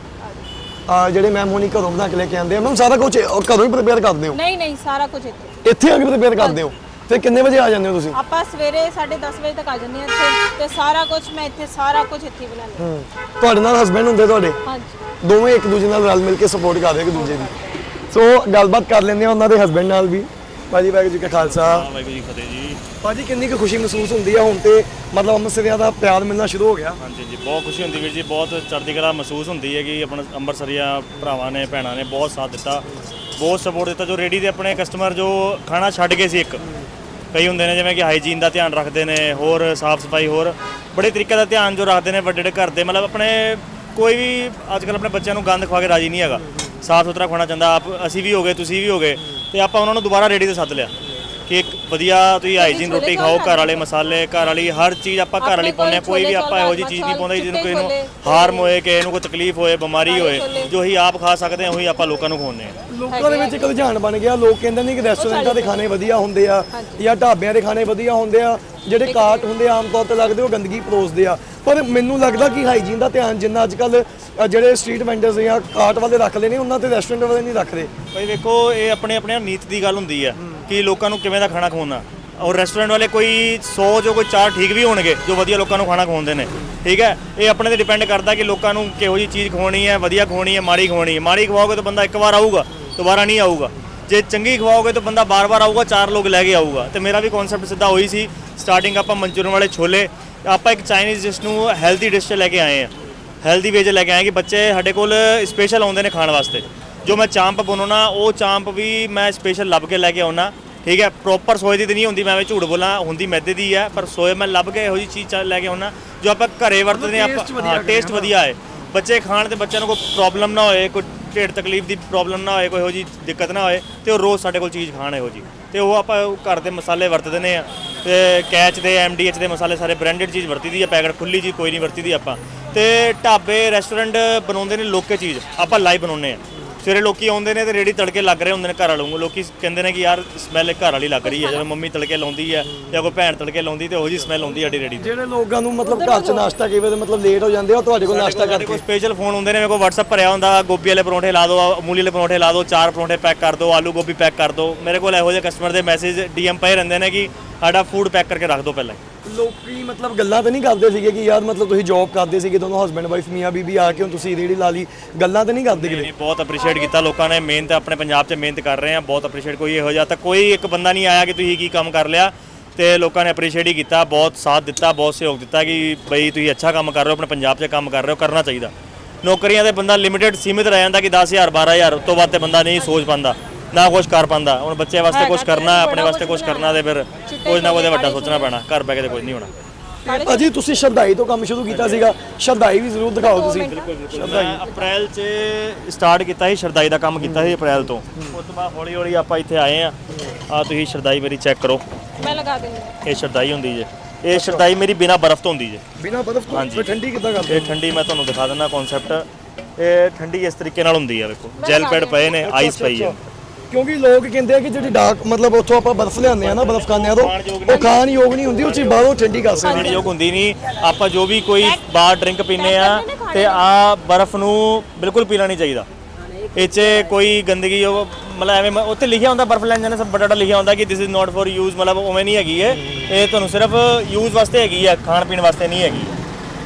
B: ਆ ਜਿਹੜੇ ਮੈਮ ਹੁਣੀ ਘਰੋਂ ਬਣਾ ਕੇ ਲੈ ਕੇ ਆਉਂਦੇ ਆ। ਮੈਮ ਸਾਰਾ ਕੁਝ ਘਰੋਂ ਹੀ ਪ੍ਰਿਪੇਅਰ ਕਰਦੇ ਹੋ?
A: ਨਹੀਂ ਨਹੀਂ ਸਾਰਾ ਕੁਝ ਇੱਥੇ
B: ਇੱਥੇ ਆ ਕੇ ਪ੍ਰਿਪੇਅਰ ਕਰਦੇ ਹੋ? ਫਿਰ ਕਿੰਨੇ ਵਜੇ ਆ ਜਾਂਦੇ ਹੋ ਤੁਸੀਂ?
A: ਆਪਾਂ ਸਵੇਰੇ ਸਾਢੇ ਦਸ ਵਜੇ ਤੱਕ ਆ ਜੰਨੇ ਆ ਇੱਥੇ ਤੇ ਸਾਰਾ ਕੁਝ ਮੈਂ ਇੱਥੇ ਸਾਰਾ ਕੁਝ ਇੱਥੇ ਹੀ ਬਣਾਉਂਦੀ ਹਾਂ।
B: ਹੂੰ ਤੁਹਾਡੇ ਨਾਲ ਹਸਬੰਡ ਹੁੰਦੇ ਤੁਹਾਡੇ?
A: ਹਾਂਜੀ
B: ਦੋਵੇਂ ਇੱਕ ਦੂਜੇ ਨਾਲ ਰਲ ਮਿਲ ਕੇ ਸਪੋਰਟ ਕਰਦੇ ਇੱਕ ਦੂਜੇ ਦੀ। ਸੋ ਗੱਲਬਾਤ ਕਰ ਲੈਂਦੇ ਆ ਉਹਨਾਂ ਦੇ ਹਸਬੰਡ ਨਾਲ ਵੀ। ਭਾਜੀ ਵਾਹਿਗੁਰੂ ਜੀ ਕਾ ਖਾਲਸਾ
C: ਵਾਹਿਗੁਰੂ ਜੀ ਫਤਿਹ ਜੀ।
B: ਭਾਜੀ ਕਿੰਨੀ ਕੁ ਖੁਸ਼ੀ ਮਹਿਸੂਸ ਹੁੰਦੀ ਆ ਹੁਣ ਤੇ ਮਤਲਬ ਅੰਮ੍ਰਿਤਸਰੀਆਂ ਦਾ ਪਿਆਰ ਮਿਲਣਾ ਸ਼ੁਰੂ ਹੋ ਗਿਆ?
C: ਹਾਂਜੀ ਜੀ ਬਹੁਤ ਖੁਸ਼ੀ ਹੁੰਦੀ ਵੀਰ ਜੀ, ਬਹੁਤ ਚੜ੍ਹਦੀ ਕਲਾ ਮਹਿਸੂਸ ਹੁੰਦੀ ਹੈ ਕਿ ਆਪਣਾ ਅੰਮ੍ਰਿਤਸਰੀਆਂ ਭਰਾਵਾਂ ਨੇ ਭੈਣਾਂ ਨੇ ਬਹੁਤ ਸਾਥ ਦਿੱਤਾ, ਬਹੁਤ ਸਪੋਰਟ ਦਿੱਤਾ। ਜੋ ਰੇਡੀ ਦੇ ਆਪਣੇ ਕਸਟਮਰ ਜੋ ਖਾਣਾ ਛੱਡ ਗਏ ਸੀ, ਇੱਕ ਕਈ ਹੁੰਦੇ ਨੇ ਜਿਵੇਂ ਕਿ ਹਾਈਜੀਨ ਦਾ ਧਿਆਨ ਰੱਖਦੇ ਨੇ, ਹੋਰ ਸਾਫ਼ ਸਫਾਈ, ਹੋਰ ਬੜੇ ਤਰੀਕੇ ਦਾ ਧਿਆਨ ਜੋ ਰੱਖਦੇ ਨੇ ਵੱਡੇ ਵੱਡੇ ਘਰ ਦੇ, ਮਤਲਬ ਆਪਣੇ ਕੋਈ ਵੀ ਅੱਜ ਕੱਲ੍ਹ ਆਪਣੇ ਬੱਚਿਆਂ ਨੂੰ ਗੰਦ ਖਵਾ ਕੇ ਰਾਜੀ ਨਹੀਂ ਹੈਗਾ, ਸਾਫ਼ ਸੁਥਰਾ ਖਾਣਾ ਚਾਹੁੰਦਾ। ਆਪ ਅਸੀਂ ਵੀ ਹੋ ਗਏ ਤੁਸੀਂ ਵੀ ਹੋ ਗਏ ਤੇ ਆਪਾਂ ਉਹਨਾਂ ਨੂੰ ਦੁਬਾਰਾ ਰੇਡੀ ਤੇ ਸੱਦ ਲਿਆ ਕਿ ਇੱਕ ਵਧੀਆ ਤੁਸੀਂ ਹਾਈਜੀਨ ਰੋਟੀ ਖਾਓ, ਘਰ ਵਾਲੇ ਮਸਾਲੇ, ਘਰ ਵਾਲੀ ਹਰ ਚੀਜ਼ ਆਪਾਂ ਘਰ ਵਾਲੀ ਪਾਉਂਦੇ ਹਾਂ। ਕੋਈ ਵੀ ਆਪਾਂ ਇਹੋ ਜਿਹੀ ਚੀਜ਼ ਨਹੀਂ ਪਾਉਂਦੇ ਜਿਹਨੂੰ ਕਿਸੇ ਨੂੰ ਹਾਰਮ ਹੋਏ, ਕਿਸੇ ਨੂੰ ਕੋਈ ਤਕਲੀਫ ਹੋਏ, ਬਿਮਾਰੀ ਹੋਏ। ਜੋ ਹੀ ਆਪ ਖਾ ਸਕਦੇ ਹਾਂ ਉਹੀ ਆਪਾਂ ਲੋਕਾਂ ਨੂੰ ਖਵਾਉਂਦੇ ਹਾਂ।
B: ਲੋਕਾਂ ਦੇ ਵਿੱਚ ਇੱਕ ਰੁਝਾਨ ਬਣ ਗਿਆ, ਲੋਕ ਕਹਿੰਦੇ ਨੇ ਕਿ ਰੈਸਟੋਰੈਂਟਾਂ ਦੇ ਖਾਣੇ ਵਧੀਆ ਹੁੰਦੇ ਆ ਜਾਂ ਢਾਬਿਆਂ ਦੇ ਖਾਣੇ ਵਧੀਆ ਹੁੰਦੇ ਆ, ਜਿਹੜੇ ਕਾਟ ਹੁੰਦੇ ਆ ਆਮ ਤੌਰ ਤੇ ਲੱਗਦੇ ਉਹ ਗੰਦਗੀ ਪਰੋਸਦੇ ਆ। ਪਰ ਮੈਨੂੰ ਲੱਗਦਾ ਕਿ ਹਾਈਜੀਨ ਦਾ ਧਿਆਨ ਜਿੰਨਾ ਅੱਜ ਕੱਲ ਜਿਹੜੇ ਸਟਰੀਟ ਵੈਂਡਰਸ ਜਾਂ ਕਾਟ ਵਾਲੇ ਰੱਖਦੇ ਨੇ ਉਹਨਾਂ ਤੇ ਰੈਸਟੋਰੈਂਟ ਵਾਲੇ ਨਹੀਂ ਰੱਖਦੇ।
C: ਭਾਈ ਵੇਖੋ ਇਹ ਆਪਣੇ ਆਪਣੇ ਨੀਤ ਦੀ ਗੱਲ ਹੁੰਦੀ ਹੈ ਕਿ ਲੋਕਾਂ ਨੂੰ ਕਿਵੇਂ ਦਾ ਖਾਣਾ ਖਵਾਉਣਾ। ਔਰ ਰੈਸਟੋਰੈਂਟ ਵਾਲੇ ਕੋਈ ਸੌ ਜੋ ਕੋਈ ਚਾਰ ਠੀਕ ਵੀ ਹੋਣਗੇ ਜੋ ਵਧੀਆ ਲੋਕਾਂ ਨੂੰ ਖਾਣਾ ਖਵਾਉਂਦੇ ਨੇ, ਠੀਕ ਹੈ। ਇਹ ਆਪਣੇ ਤੇ ਡਿਪੈਂਡ ਕਰਦਾ ਕਿ ਲੋਕਾਂ ਨੂੰ ਕਿਹੋ ਜਿਹੀ ਚੀਜ਼ ਖਵਾਉਣੀ ਹੈ, ਵਧੀਆ ਖਵਾਉਣੀ ਹੈ, ਮਾੜੀ ਖਵਾਉਣੀ ਹੈ। ਮਾੜੀ ਖਵਾਓਗੇ ਤਾਂ ਬੰਦਾ ਇੱਕ ਵਾਰ ਆਊਗਾ, ਦੁਬਾਰਾ ਨਹੀਂ ਆਊਗਾ। ਜੇ ਚੰਗੀ ਖਵਾਓਗੇ ਤਾਂ ਬੰਦਾ ਬਾਰ-ਬਾਰ ਆਊਗਾ, ਚਾਰ ਲੋਕ ਲੈ ਕੇ ਆਊਗਾ। ਤੇ ਮੇਰਾ ਵੀ ਕਨਸੈਪਟ ਸਿੱਧਾ ਉਹੀ ਸੀ। ਸਟਾਰਟਿੰਗ ਆਪਾਂ ਮਨਚੂਰੀਅਨ ਵਾਲੇ ਛੋਲੇ, ਆਪਾਂ ਇੱਕ ਚਾਈਨੀਜ਼ ਡਿਸ਼ ਨੂੰ ਹੈਲਦੀ ਡਿਸ਼ 'ਚ ਲੈ ਕੇ ਆਏ ਹਾਂ, ਹੈਲਦੀ ਵੇ 'ਚ ਲੈ ਕੇ ਆਏ ਕਿ ਬੱਚੇ ਸਾਡੇ ਕੋਲ ਸਪੈਸ਼ਲ ਆਉਂਦੇ ਨੇ ਖਾਣ ਵਾਸਤੇ। ਜੋ ਮੈਂ ਚਾਂਪ ਬਣਾਉਣਾ ਉਹ ਚਾਂਪ ਵੀ ਮੈਂ ਸਪੈਸ਼ਲ ਲੱਭ ਕੇ ਲੈ ਕੇ ਆਉਣਾ, ਠੀਕ ਹੈ। ਪ੍ਰੋਪਰ ਸੋਏ ਦੀ ਤਾਂ ਨਹੀਂ ਹੁੰਦੀ, ਮੈਂ ਐਵੇਂ ਝੂਠ ਬੋਲਾਂ, ਹੁੰਦੀ ਮੈਦੇ ਦੀ ਹੈ, ਪਰ ਸੋਏ ਮੈਂ ਲੱਭ ਕੇ ਇਹੋ ਜਿਹੀ ਚੀਜ਼ ਲੈ ਕੇ ਆਉਣਾ ਜੋ ਆਪਾਂ ਘਰੇ ਵਰਤਦੇ ਹਾਂ। ਆਪਾਂ ਹਾਂ ਟੇਸਟ ਵਧੀਆ ਹੈ, ਬੱਚੇ ਖਾਣ ਤੇ ਬੱਚਿਆਂ ਨੂੰ ਕੋਈ ਪ੍ਰੋਬਲਮ ਨਾ ਹੋਏ, ਕੋਈ ਢਿੱਡ ਤਕਲੀਫ ਦੀ ਪ੍ਰੋਬਲਮ ਨਾ ਹੋਏ, ਕੋਈ ਇਹੋ ਜਿਹੀ ਦਿੱਕਤ ਨਾ ਹੋਏ ਤੇ ਉਹ ਰੋਜ਼ ਸਾਡੇ ਕੋਲ ਚੀਜ਼ ਖਾਣ ਇਹੋ ਜਿਹੀ। ਤੇ ਉਹ ਆਪਾਂ ਘਰ ਦੇ ਮਸਾਲੇ ਵਰਤਦੇ ਨੇ ਆ ਤੇ ਕੈਚ ਦੇ ਐਮ ਡੀ ਐਚ ਦੇ ਮਸਾਲੇ ਸਾਰੇ ਬ੍ਰਾਂਡਡ ਚੀਜ਼ ਵਰਤੀ ਦੀ ਆ, ਪੈਕਟ ਖੁੱਲੀ ਚੀਜ਼ ਕੋਈ ਨਹੀਂ ਵਰਤੀ ਦੀ ਆਪਾਂ। ਤੇ ਢਾਬੇ ਰੈਸਟੋਰੈਂਟ ਬਣਾਉਂਦੇ ਨੇ ਲੋਕੇ ਚੀਜ਼, ਆਪਾਂ ਲਾਈਵ ਬਣਾਉਂਦੇ ਆ। ਸਵੇਰੇ ਲੋਕੀ ਆਉਂਦੇ ਨੇ ਤੇ ਰੇੜੀ ਤੜਕੇ ਲੱਗ ਰਹੇ ਹੁੰਦੇ ਨੇ ਘਰ ਵਾਲੋਂ, ਲੋਕੀ ਕਹਿੰਦੇ ਨੇ ਕਿ ਯਾਰ ਸਮੈਲ ਘਰ ਵਾਲੀ ਲੱਗ ਰਹੀ ਹੈ। ਜਦੋਂ ਮੰਮੀ ਤੜਕੇ ਲਾਉਂਦੀ ਹੈ ਜਾਂ ਕੋਈ ਭੈਣ ਤੜਕੇ ਲਾਉਂਦੀ ਤੇ ਉਹੋ ਜਿਹੀ ਸਮੈਲ ਆਉਂਦੀ ਸਾਡੀ ਰੇੜੀ ਤੇ।
B: ਜਿਹੜੇ ਲੋਕਾਂ ਨੂੰ ਮਤਲਬ ਘਰ 'ਚ ਨਾਸ਼ਤਾ ਕਈ ਵਾਰ ਮਤਲਬ ਲੇਟ ਹੋ ਜਾਂਦੇ ਆ, ਉਹ ਤੁਹਾਡੇ ਕੋਲ ਨਾਸ਼ਤਾ
C: ਸਾਡੇ ਕੋਲ
B: ਕਰਕੇ
C: ਸਪੈਸ਼ਲ ਫੋਨ ਹੁੰਦੇ ਨੇ, ਮੇਰੇ ਕੋਲ WhatsApp ਭਰਿਆ ਹੁੰਦਾ, ਗੋਭੀ ਵਾਲੇ ਪਰੌਂਠੇ ਲਾ ਦਿਓ, ਅਮੂਲੀ ਵਾਲੇ ਪਰੌਂਠੇ ਲਾ ਦਿਓ, ਚਾਰ ਪਰੌਂਠੇ ਪੈਕ ਕਰ ਦਿਓ, ਆਲੂ ਗੋਭੀ ਪੈਕ ਕਰ ਦਿਓ। ਮੇਰੇ ਕੋਲ ਇਹੋ ਜਿਹੇ ਕਸਟਮਰ ਦੇ ਮੈਸੇਜ ਡੀਐਮ ਪਏ ਰਹਿੰਦੇ ਨੇ ਕਿ ਸਾਡਾ ਫੂਡ ਪੈਕ ਕਰਕੇ ਰੱਖ ਦਿਓ ਪਹਿਲਾਂ।
B: ਲੋਕੀ ਮਤਲਬ ਗੱਲਾਂ ਤਾਂ ਨਹੀਂ ਕਰਦੇ ਸੀਗੇ ਕਿ ਯਾਰ ਮਤਲਬ ਤੁਸੀਂ ਜੌਬ ਕਰਦੇ ਸੀਗੇ ਦੋਨੋਂ ਹਸਬੈਂਡ ਵਾਈਫ ਮੀਆਂ ਬੀਬੀ ਆ ਕੇ ਹੁਣ ਤੁਸੀਂ ਰੇੜੀ ਲਾ ਲਈ, ਗੱਲਾਂ ਤਾਂ ਨਹੀਂ ਕਰਦੇ ਕਿਤੇ?
C: ਨਹੀਂ, ਬਹੁਤ ਅਪਰੀਸ਼ੀਏਟ ਕੀਤਾ ਲੋਕਾਂ ਨੇ, ਮਿਹਨਤ ਆਪਣੇ ਪੰਜਾਬ 'ਚ ਮਿਹਨਤ ਕਰ ਰਹੇ ਆ, ਬਹੁਤ ਅਪਰੀਸ਼ੀਏਟ। ਕੋਈ ਇਹੋ ਜਿਹਾ ਤਾਂ ਕੋਈ ਇੱਕ ਬੰਦਾ ਨਹੀਂ ਆਇਆ ਕਿ ਤੁਸੀਂ ਕੀ ਕੰਮ ਕਰ ਲਿਆ, ਤੇ ਲੋਕਾਂ ਨੇ ਅਪਰੀਸ਼ੀਏਟ ਹੀ ਕੀਤਾ, ਬਹੁਤ ਸਾਥ ਦਿੱਤਾ, ਬਹੁਤ ਸਹਿਯੋਗ ਦਿੱਤਾ ਕਿ ਬਈ ਤੁਸੀਂ ਅੱਛਾ ਕੰਮ ਕਰ ਰਹੇ ਹੋ, ਆਪਣੇ ਪੰਜਾਬ 'ਚ ਕੰਮ ਕਰ ਰਹੇ ਹੋ, ਕਰਨਾ ਚਾਹੀਦਾ। ਨੌਕਰੀਆਂ ਦੇ ਬੰਦਾ ਲਿਮਿਟਡ ਸੀਮਿਤ ਰਹਿ ਜਾਂਦਾ ਕਿ ਦਸ ਹਜ਼ਾਰ ਬਾਰਾਂ ਹਜ਼ਾਰ, ਉਸ ਤੋਂ ਬਾਅਦ ਤੇ ਬੰਦਾ ਨਹੀਂ ਸੋਚ ਪਾਉਂਦਾ, ਨਾ ਕੁਝ ਕਰ ਪਾਉਂਦਾ। ਹੁਣ ਬੱਚੇ ਵਾਸਤੇ ਕੁਝ ਕਰਨਾ, ਆਪਣੇ ਵਾਸਤੇ ਕੁਝ ਕਰਨਾ, ਤੇ ਫਿਰ ਕੁਝ ਨਾ ਕੁਝ ਵੱਡਾ ਸੋਚਣਾ ਪੈਣਾ, ਘਰ ਬੈ ਕੇ ਤੇ ਕੁਝ ਨਹੀਂ ਹੋਣਾ।
B: ਭਾਜੀ ਤੁਸੀਂ ਸ਼ਰਦਾਈ ਤੋਂ ਕੰਮ ਸ਼ੁਰੂ ਕੀਤਾ ਸੀਗਾ, ਸ਼ਰਦਾਈ ਵੀ ਜ਼ਰੂਰ ਦਿਖਾਓ ਤੁਸੀਂ।
C: ਮੈਂ ਅਪ੍ਰੈਲ 'ਚ ਸਟਾਰਟ ਕੀਤਾ ਸੀ, ਸ਼ਰਦਾਈ ਦਾ ਕੰਮ ਕੀਤਾ ਸੀ ਅਪ੍ਰੈਲ ਤੋਂ। ਉਸ ਤੋਂ ਬਾਅਦ ਹੌਲੀ ਹੌਲੀ ਆਪਾਂ ਇੱਥੇ ਆਏ ਆ। ਆ ਤੁਸੀਂ ਸ਼ਰਦਾਈ ਮੇਰੀ ਚੈੱਕ ਕਰੋ,
A: ਮੈਂ ਲਗਾ ਦਿੰਦੀ।
C: ਇਹ ਸ਼ਰਦਾਈ ਹੁੰਦੀ ਜੇ, ਇਹ ਸ਼ਰਦਾਈ ਮੇਰੀ ਬਿਨਾ ਬਰਫ਼ ਤੋਂ ਹੁੰਦੀ ਜੇ।
B: ਬਿਨਾ ਬਰਫ਼ ਤੋਂ? ਫਿਰ ਠੰਡੀ ਕਿੱਦਾਂ ਕਰਦੇ?
C: ਇਹ ਠੰਡੀ ਮੈਂ ਤੁਹਾਨੂੰ ਦਿਖਾ ਦਿੰਦਾ ਕਨਸੈਪਟ। ਇਹ ਠੰਡੀ ਇਸ ਤਰੀਕੇ ਨਾਲ ਹੁੰਦੀ ਆ, ਵੇਖੋ ਜੈਲ ਪੈਡ ਪਏ ਨੇ, ਆਈਸ ਪਈ ਹੈ।
B: ਕਿਉਂਕਿ ਲੋਕ ਕਹਿੰਦੇ ਆ ਕਿ ਜਿਹੜੀ ਡਾਰਕ ਮਤਲਬ ਉੱਥੋਂ ਆਪਾਂ ਬਰਫ਼ ਲਿਆਉਂਦੇ ਆ ਨਾ, ਬਰਫ਼ ਖਾਂਦੇ ਆ ਤਾਂ ਉਹ ਖਾਣ ਯੋਗ ਨਹੀਂ ਹੁੰਦੀ, ਉਹ ਚੀਜ਼ ਬਾਹਰੋਂ ਠੰਡੀ ਕਰ ਸਕਦੇ
C: ਖਾਣ ਯੋਗ ਹੁੰਦੀ ਨਹੀਂ। ਆਪਾਂ ਜੋ ਵੀ ਕੋਈ ਬਾਹਰ ਡਰਿੰਕ ਪੀਂਦੇ ਆ ਤੇ ਆ ਬਰਫ਼ ਨੂੰ ਬਿਲਕੁਲ ਪੀਣਾ ਨਹੀਂ ਚਾਹੀਦਾ। ਇਹ 'ਚ ਕੋਈ ਗੰਦਗੀ ਉਹ ਮਤਲਬ ਐਵੇਂ ਉੱਥੇ ਲਿਖਿਆ ਹੁੰਦਾ ਬਰਫ਼ ਲੈਣ ਜਾਂਦੇ ਸਭ ਬੜਾ ਬੜਾ ਲਿਖਿਆ ਹੁੰਦਾ ਕਿ this is not for use, ਮਤਲਬ ਉਵੇਂ ਨਹੀਂ ਹੈਗੀ ਹੈ। ਇਹ ਤੁਹਾਨੂੰ ਸਿਰਫ ਯੂਜ਼ ਵਾਸਤੇ ਹੈਗੀ ਹੈ, ਖਾਣ ਪੀਣ ਵਾਸਤੇ ਨਹੀਂ ਹੈਗੀ।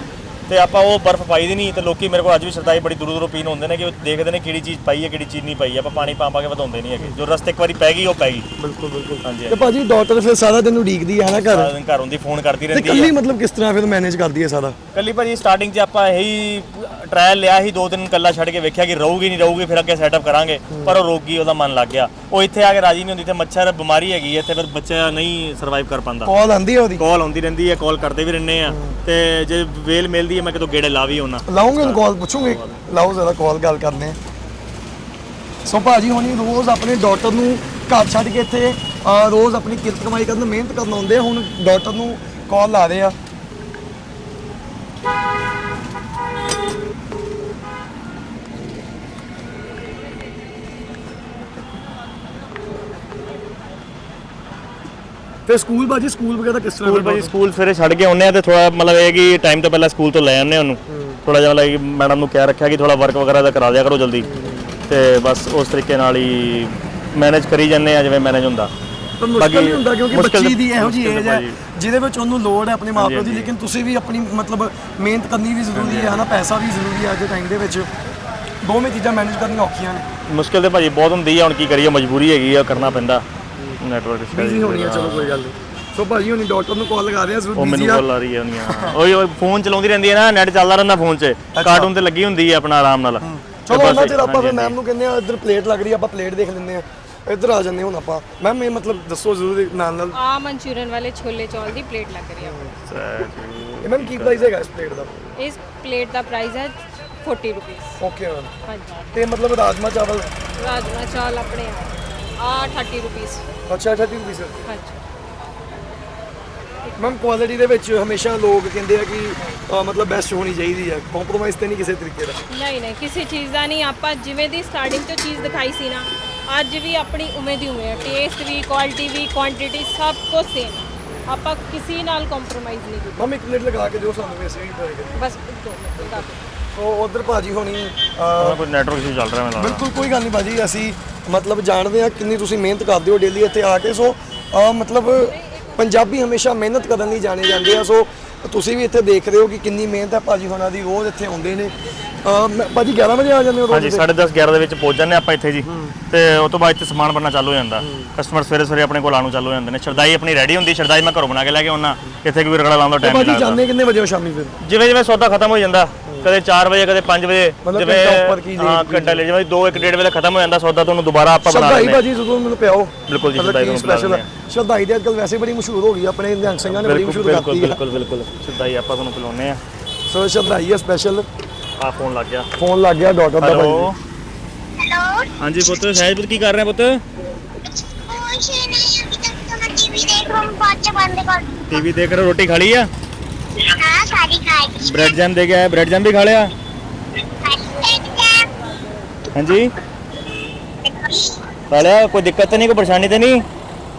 C: ਤੇ ਆਪਾਂ ਉਹ ਬਰਫ਼ ਪਾਈ ਦੀ ਨਹੀਂ ਤੇ ਲੋਕੀ ਮੇਰੇ ਕੋਲ ਅੱਜ ਵੀ ਸ਼ਰਦਾਈ ਬੜੀ ਦੂਰੋਂ ਦੂਰੋਂ ਪੀਣ ਹੁੰਦੇ ਨੇ ਕਿ ਉਹ ਦੇਖਦੇ ਨੇ ਕਿਹੜੀ ਚੀਜ਼ ਪਾਈ ਹੈ ਕਿਹੜੀ ਚੀਜ਼ ਨਹੀਂ ਪਾਈ ਆਪਾਂ ਪਾਣੀ ਪਾ ਪਾ ਕੇ ਵਧਾਉਂਦੇ ਨਹੀਂ ਹੈਗੇ ਜੋ ਰਸਤੇ ਇੱਕ ਵਾਰੀ ਪੈ ਗਈ ਉਹ ਪੈ ਗਈ
B: ਬਿਲਕੁਲ ਬਿਲਕੁਲ
C: ਹਾਂਜੀ
B: ਤੇ ਭਾਜੀ ਡਾਕਟਰ ਫਿਰ ਸਾਰਾ ਦਿਨ ਉਡੀਕਦੀ ਹੈ ਨਾ ਘਰ
C: ਸਾਰਾ ਦਿਨ ਘਰ ਹੁੰਦੀ ਫੋਨ ਕਰਦੀ
B: ਤੇ
C: ਰਹਿੰਦੀ
B: ਕੱਲੀ
C: ਹੈ
B: ਮਤਲਬ ਕਿਸ ਤਰ੍ਹਾਂ ਫਿਰ ਮੈਨੇਜ ਕਰਦੀ ਹੈ ਸਾਰਾ
C: ਕੱਲੀ ਭਾਜੀ ਸਟਾਰਟਿੰਗ 'ਚ ਆਪਾਂ ਇਹੀ ਟ੍ਰਾਇਲ ਲਿਆ ਸੀ ਦੋ ਦਿਨ ਕੱਲਾ ਛੱਡ ਕੇ ਵੇਖਿਆ ਕਿ ਰਹੂਗੀ ਨਹੀਂ ਰਹੂਗੀ ਫਿਰ ਅੱਗੇ ਸੈਟਅਪ ਕਰਾਂਗੇ ਪਰ ਉਹ ਰੋਕ ਗਈ ਉਹਦਾ ਮਨ ਲੱਗ ਗਿਆ ਉਹ ਇੱਥੇ ਆ ਕੇ ਰਾਜੀ ਨਹੀਂ ਹੁੰਦੀ ਤੇ ਮੱਛਰ ਬਿਮਾਰੀ ਹੈਗੀ ਹੈ ਇੱਥੇ ਫਿਰ ਬੱਚਾ ਨਹੀਂ ਸਰਵਾਈਵ ਕਰ ਪਾਉਂਦਾ
B: ਕਾਲ ਆਂਦੀ ਹੈ ਉਹਦੀ
C: ਕਾਲ ਆਉਂਦੀ ਰਹਿੰਦੀ ਹੈ ਕਾਲ ਕਰਦੇ ਵੀ ਰਹਿੰਦੇ ਆ ਤੇ ਜੇ ਵੇਲ ਮਿਲਦੀ ਹੈ ਮੈਂ ਕਿਤੋਂ ਗੇੜੇ ਲਾ ਵੀ ਆਉਣਾ
B: ਲਾਉਂਗੇ ਉਹਨੂੰ ਕਾਲ ਪੁੱਛੂਗੇ ਲਾਓ ਜ਼ਰਾ ਕਾਲ ਗੱਲ ਕਰਨੇ ਸੋ ਭਾਜੀ ਹੁਣੀ ਰੋਜ਼ ਆਪਣੇ ਡਾਕਟਰ ਨੂੰ ਘਰ ਛੱਡ ਕੇ ਇੱਥੇ ਅਹ, ਰੋਜ਼ ਆਪਣੀ ਕਿਰਤ ਕਮਾਈ ਕਰਨ ਮਿਹਨਤ ਕਰਨ ਆਉਂਦੇ ਆ ਹੁਣ ਡਾਕਟਰ ਨੂੰ ਕਾਲ ਲਾ ਰਹੇ ਆ ਤੇ ਸਕੂਲ ਭਾਜੀ ਸਕੂਲ ਵਗੈਰਾ ਕਿਸ ਤਰ੍ਹਾਂ
C: ਸਕੂਲ ਭਾਜੀ ਸਕੂਲ ਸਵੇਰੇ ਛੱਡ ਕੇ ਆਉਂਦੇ ਆ ਤੇ ਥੋੜਾ ਮਤਲਬ ਇਹ ਕਿ ਟਾਈਮ ਤੋਂ ਪਹਿਲਾਂ ਸਕੂਲ ਤੋਂ ਲੈ ਆਉਂਦੇ ਉਹਨੂੰ ਥੋੜਾ ਜਿਹਾ ਮਤਲਬ ਮੈਡਮ ਨੂੰ ਕਹਿ ਰੱਖਿਆ ਕਿ ਥੋੜਾ ਵਰਕ ਵਗੈਰਾ ਦਾ ਕਰਾ ਦਿਆ ਕਰੋ ਜਲਦੀ ਤੇ ਬਸ ਉਸ ਤਰੀਕੇ ਨਾਲ ਹੀ ਮੈਨੇਜ ਕਰੀ ਜਾਂਦੇ ਆ ਜਿਵੇਂ ਮੈਨੇਜ ਹੁੰਦਾ
B: ਪਰ ਮੁਸ਼ਕਲ ਨਹੀਂ ਹੁੰਦਾ ਕਿਉਂਕਿ
C: ਮੁਸ਼ਕਿਲ
B: ਬੱਚੀ ਦੀ ਇਹੋ ਜਿਹੀ
C: ਮੁਸ਼ਕਿਲ
B: ਏਜ ਹੈ
C: ਭਾਜੀ।
B: ਜਿਹਦੇ ਵਿੱਚ ਉਹਨੂੰ ਲੋੜ ਹੈ ਆਪਣੇ ਮਾਪਿਆਂ ਦੀ ਲੇਕਿਨ ਤੁਸੀਂ ਵੀ ਆਪਣੀ ਮਤਲਬ ਮਿਹਨਤ ਕਰਨੀ ਵੀ ਜ਼ਰੂਰੀ ਹੈ ਹਨਾ ਪੈਸਾ ਵੀ ਜ਼ਰੂਰੀ ਹੈ ਅੱਜ ਦੇ ਟਾਈਮ ਦੇ ਵਿੱਚ ਦੋਵੇਂ ਚੀਜ਼ਾਂ ਮੈਨੇਜ ਕਰਨੀਆਂ ਔਖੀਆਂ ਨੇ
C: ਮੁਸ਼ਕਿਲ ਤੇ ਭਾਜੀ ਬਹੁਤ ਹੁੰਦੀ ਆ ਹੁਣ ਕੀ ਕਰੀਏ ਮਜਬੂਰੀ ਹੈਗੀ ਆ ਕਰਨਾ ਪੈਂਦਾ ਨੈਟਵਰਕ
B: ਬਿਜ਼ੀ ਹੋਣੀ ਹੈ ਚਲੋ ਕੋਈ ਗੱਲ ਨਹੀਂ ਸੋ ਭਾਜੀ ਹੁਣੀ ਡਾਕਟਰ ਨੂੰ ਕਾਲ ਲਗਾ ਰਹੇ ਆ
C: ਉਹ
B: ਜ਼ਰੂਰ
C: ਮੈਨੂੰ
B: ਬਿਜ਼ੀ ਆ
C: ਕਾਲ ਆ ਰਹੀ ਹੈ ਉਹਨੀਆਂ ਉਹੀ ਉਹ ਫੋਨ ਚਲਾਉਂਦੀ ਰਹਿੰਦੀ ਹੈ ਨਾ ਨੈਟ ਚੱਲਦਾ ਰਹਿੰਦਾ ਫੋਨ 'ਚ ਕਾਰਟੂਨ ਤੇ ਲੱਗੀ ਹੁੰਦੀ ਹੈ ਆਪਣਾ ਆਰਾਮ ਨਾਲ
B: ਚਲੋ ਉਹਨਾਂ ਚਿਰ ਆਪਾਂ ਫਿਰ ਮੈਮ ਨੂੰ ਕਹਿੰਦੇ ਆ ਇੱਧਰ ਪਲੇਟ ਲੱਗ ਰਹੀ ਆ ਆਪਾਂ ਪਲੇਟ ਦੇਖ ਲੈਂਦੇ ਆ ਇੱਧਰ ਆ ਜਾਂਦੇ ਹੁਣ ਆਪਾਂ ਮੈਮ ਇਹ ਮਤਲਬ ਦੱਸੋ ਜ਼ਰੂਰ ਨਾਲ ਨਾਲ
A: ਆ ਮਨਚੂਰੀਅਨ ਵਾਲੇ ਛੋਲੇ ਚੌਲ ਦੀ ਪਲੇਟ ਲੱਗ ਰਹੀ ਹੈ
B: ਇਹ ਮੈਮ ਕੀ ਪ੍ਰਾਈਸ ਹੈਗਾ ਇਸ ਪਲੇਟ ਦਾ
A: ਇਸ ਪਲੇਟ ਦਾ ਪ੍ਰਾਈਸ ਹੈ ਚਾਲੀ ਰੁਪਏ
B: ਓਕੇ ਮੈਮ
A: ਹਾਂਜੀ
B: ਤੇ ਮਤਲਬ ਰਾਜਮਾ ਚਾਵਲ
A: ਰਾਜਮਾ ਚਾਵਲ ਆਪਣੇ ਆ ਥਰਟੀ ਰੁਪਏ
B: ਅੱਛਾ ਅੱਛਾ ਠੀਕ ਸਰ
A: ਹਾਂਜੀ
B: ਮੈਮ ਕੁਆਲਿਟੀ ਦੇ ਵਿੱਚ ਹਮੇਸ਼ਾ ਲੋਕ ਕਹਿੰਦੇ ਆ ਕਿ ਅ, ਮਤਲਬ ਬੈਸਟ ਹੋਣੀ ਚਾਹੀਦੀ ਹੈ ਕੰਪਰੋਮਾਈਜ਼ ਤੇ ਨਹੀਂ ਕਿਸੇ ਤਰੀਕੇ ਦਾ
A: ਨਹੀਂ ਨਹੀਂ ਕਿਸੇ ਚੀਜ਼ ਦਾ ਨਹੀਂ ਆਪਾਂ ਜਿਵੇਂ ਦੀ ਸਟਾਰਟਿੰਗ ਤੋਂ ਚੀਜ਼ ਦਿਖਾਈ ਸੀ ਨਾ ਅੱਜ ਵੀ ਆਪਣੀ ਉਵੇਂ ਦੀ ਉਵੇਂ ਹੈ ਟੇਸਟ ਵੀ ਕੁਆਲਿਟੀ ਵੀ ਕੁਆਂਟੀਟੀ ਸਭ ਕੁਝ ਸੇਮ ਆਪਾਂ ਕਿਸੇ ਨਾਲ ਕੰਪਰੋਮਾਈਜ਼ ਨਹੀਂ ਕੀਤਾ
B: ਮੈਮ ਇੱਕ ਪਲੇਟ ਲਗਾ ਕੇ ਦਿਓ ਸਾਨੂੰ ਵੀ ਅਸੀਂ ਵੀ ਟਰਾਈ ਕਰੀਏ
A: ਬਸ ਦੋ ਮਿੰਟ ਲਗਾ ਦਿਓ।
B: ਸੋ ਉਧਰ ਭਾਜੀ ਹੋਣੀ ਅ,
C: ਕੋਈ ਨੈਟਵਰਕ ਇਸ਼ੂ ਚੱਲ ਰਿਹਾ ਮੈਨੂੰ ਲੱਗਦਾ
B: ਬਿਲਕੁਲ ਕੋਈ ਗੱਲ ਨਹੀਂ ਭਾਜੀ ਅਸੀਂ ਮਤਲਬ ਜਾਣਦੇ ਆ ਕਿੰਨੀ ਤੁਸੀਂ ਮਿਹਨਤ ਕਰਦੇ ਹੋ ਡੇਲੀ ਇੱਥੇ ਆ ਕੇ ਸੋ ਅ, ਮਤਲਬ ਪੰਜਾਬੀ ਹਮੇਸ਼ਾ ਮਿਹਨਤ ਕਰਨ ਲਈ ਜਾਣੇ ਜਾਂਦੇ ਆ ਸੋ ਤੁਸੀਂ ਵੀ ਇੱਥੇ ਦੇਖ ਰਹੇ ਹੋ ਕਿ ਕਿੰਨੀ ਮਿਹਨਤ ਹੈ ਭਾਜੀ ਹੋਣਾ ਦੀ ਰੋਜ਼ ਇੱਥੇ ਆਉਂਦੇ ਨੇ ਅ, ਮੈਂ- ਭਾਜੀ ਗਿਆਰਾਂ ਵਜੇ ਆ ਜਾਂਦੇ ਹੋ
C: ਹਾਂਜੀ
B: ਰੋਜ਼
C: ਸਾਢੇ ਦਸ ਗਿਆਰਾਂ ਦੇ ਵਿੱਚ ਪਹੁੰਚ ਜਾਂਦੇ ਆਪਾਂ ਇੱਥੇ ਜੀ ਤੇ ਉਸ ਤੋਂ ਬਾਅਦ ਇੱਥੇ ਸਮਾਨ ਬਣਨਾ ਚਾਲੂ ਹੋ ਜਾਂਦਾ ਕਸਟਮਰ ਸਵੇਰੇ ਸਵੇਰੇ ਆਪਣੇ ਕੋਲ ਆਉਣ ਨੂੰ ਚਾਲੂ ਹੋ ਜਾਂਦੇ ਨੇ ਸ਼ਰਦਾਈ ਆਪਣੀ ਰੈਡੀ ਹੁੰਦੀ ਸ਼ਰਦਾਈ ਮੈਂ ਘਰੋਂ ਬਣਾ ਕੇ ਲੈ ਕੇ ਆਉਣਾ ਇੱਥੇ ਕੋਈ ਰਗੜਾ ਲਾਉਣ ਦਾ ਟਾਈਮ ਨਹੀਂ
B: ਭਾਜੀ
C: ਲੱਗਦਾ
B: ਜਾਂਦੇ ਕਿੰਨੇ ਵਜੇ ਹੋ ਸ਼ਾਮੀ ਫਿਰ
C: ਜਿਵੇਂ ਜਿਵੇਂ ਸੌਦਾ ਖਤਮ ਹੋ ਜਾਂਦਾ ਕਦੇ ਚਾਰ ਵਜੇ ਕਦੇ ਪੰਜ ਵਜੇ
B: ਮਤਲਬ ਘੰਟਾ ਉੱਪਰ ਕੀ
C: ਹਾਂ ਘੰਟਾ ਲੈ ਜਿਵੇਂ ਦੋ ਇੱਕ ਡੇਢ ਵਜੇ ਖਤਮ ਹੋ ਜਾਂਦਾ ਸੌਦਾ ਤੁਹਾਨੂੰ ਦੁਬਾਰਾ ਆਪਾਂ ਬਣਾ
B: ਸ਼ਰਦਾਈ
C: ਲੈਂਦੇ
B: ਭਾਜੀ ਜਦੋਂ ਮੈਨੂੰ ਪਿਆਓ
C: ਬਿਲਕੁਲ ਜੀ
B: ਮਤਲਬ
C: ਸ਼ਰਦਾਈ
B: ਕੀ
C: ਨੂੰ ਪਿਲਾ
B: ਸਪੈਸ਼ਲ
C: ਦਿੰਦੇ
B: ਸ਼ਰਦਾਈ ਦੇ ਅੱਜਕੱਲ ਵੈਸੇ ਬੜੀ ਮਸ਼ਹੂਰ ਹੋ ਗਈ ਆ, ਆਪਣੇ ਨਿਹੰਗ ਸਿੰਘਾਂ ਨੇ ਬੜੀ
C: ਬਿਲਕੁਲ
B: ਮਸ਼ਹੂਰ
C: ਬਿਲਕੁਲ
B: ਕਰਤੀ ਹੈ
C: ਬਿਲਕੁਲ ਬਿਲਕੁਲ ਸ਼ਰਦਾਈ ਆਪਾਂ ਤੁਹਾਨੂੰ ਪਿਲਾਉਂਦੇ ਆ
B: ਸੋ ਸ਼ਰਦਾਈ ਹੈ ਸਪੈਸ਼ਲ
C: ਆ ਫੋਨ ਲੱਗ ਗਿਆ
B: ਫੋਨ ਲੱਗ ਗਿਆ ਡਾਕਟਰ ਦਾ
C: ਹੈਲੋ
B: ਭਾਜੀ
D: हेलो
C: ਹਾਂਜੀ ਪੁੱਤ ਸਹਿਜ ਪੁੱਤ ਕੀ ਕਰ ਰਹੇ ਪੁੱਤ
D: कुछ नहीं अभी तक तो मैं टीवी देख रहा हूँ बच्चे बंद कर
C: ਟੀਵੀ ਦੇਖ ਰਹੇ ਰੋਟੀ ਖਾ ਲਈ ਆ
D: हाँ सारी खाई
C: ਬ੍ਰੈਡ ਜੈਮ ਦੇ ਕੇ ਆਇਆ ਬ੍ਰੈਡ ਜੈਮ ਵੀ ਖਾ ਲਿਆ ਹਾਂਜੀ ਖਾ ਲਿਆ ਕੋਈ ਦਿੱਕਤ ਤਾਂ ਨਹੀਂ ਕੋਈ ਪਰੇਸ਼ਾਨੀ ਤਾਂ ਨਹੀਂ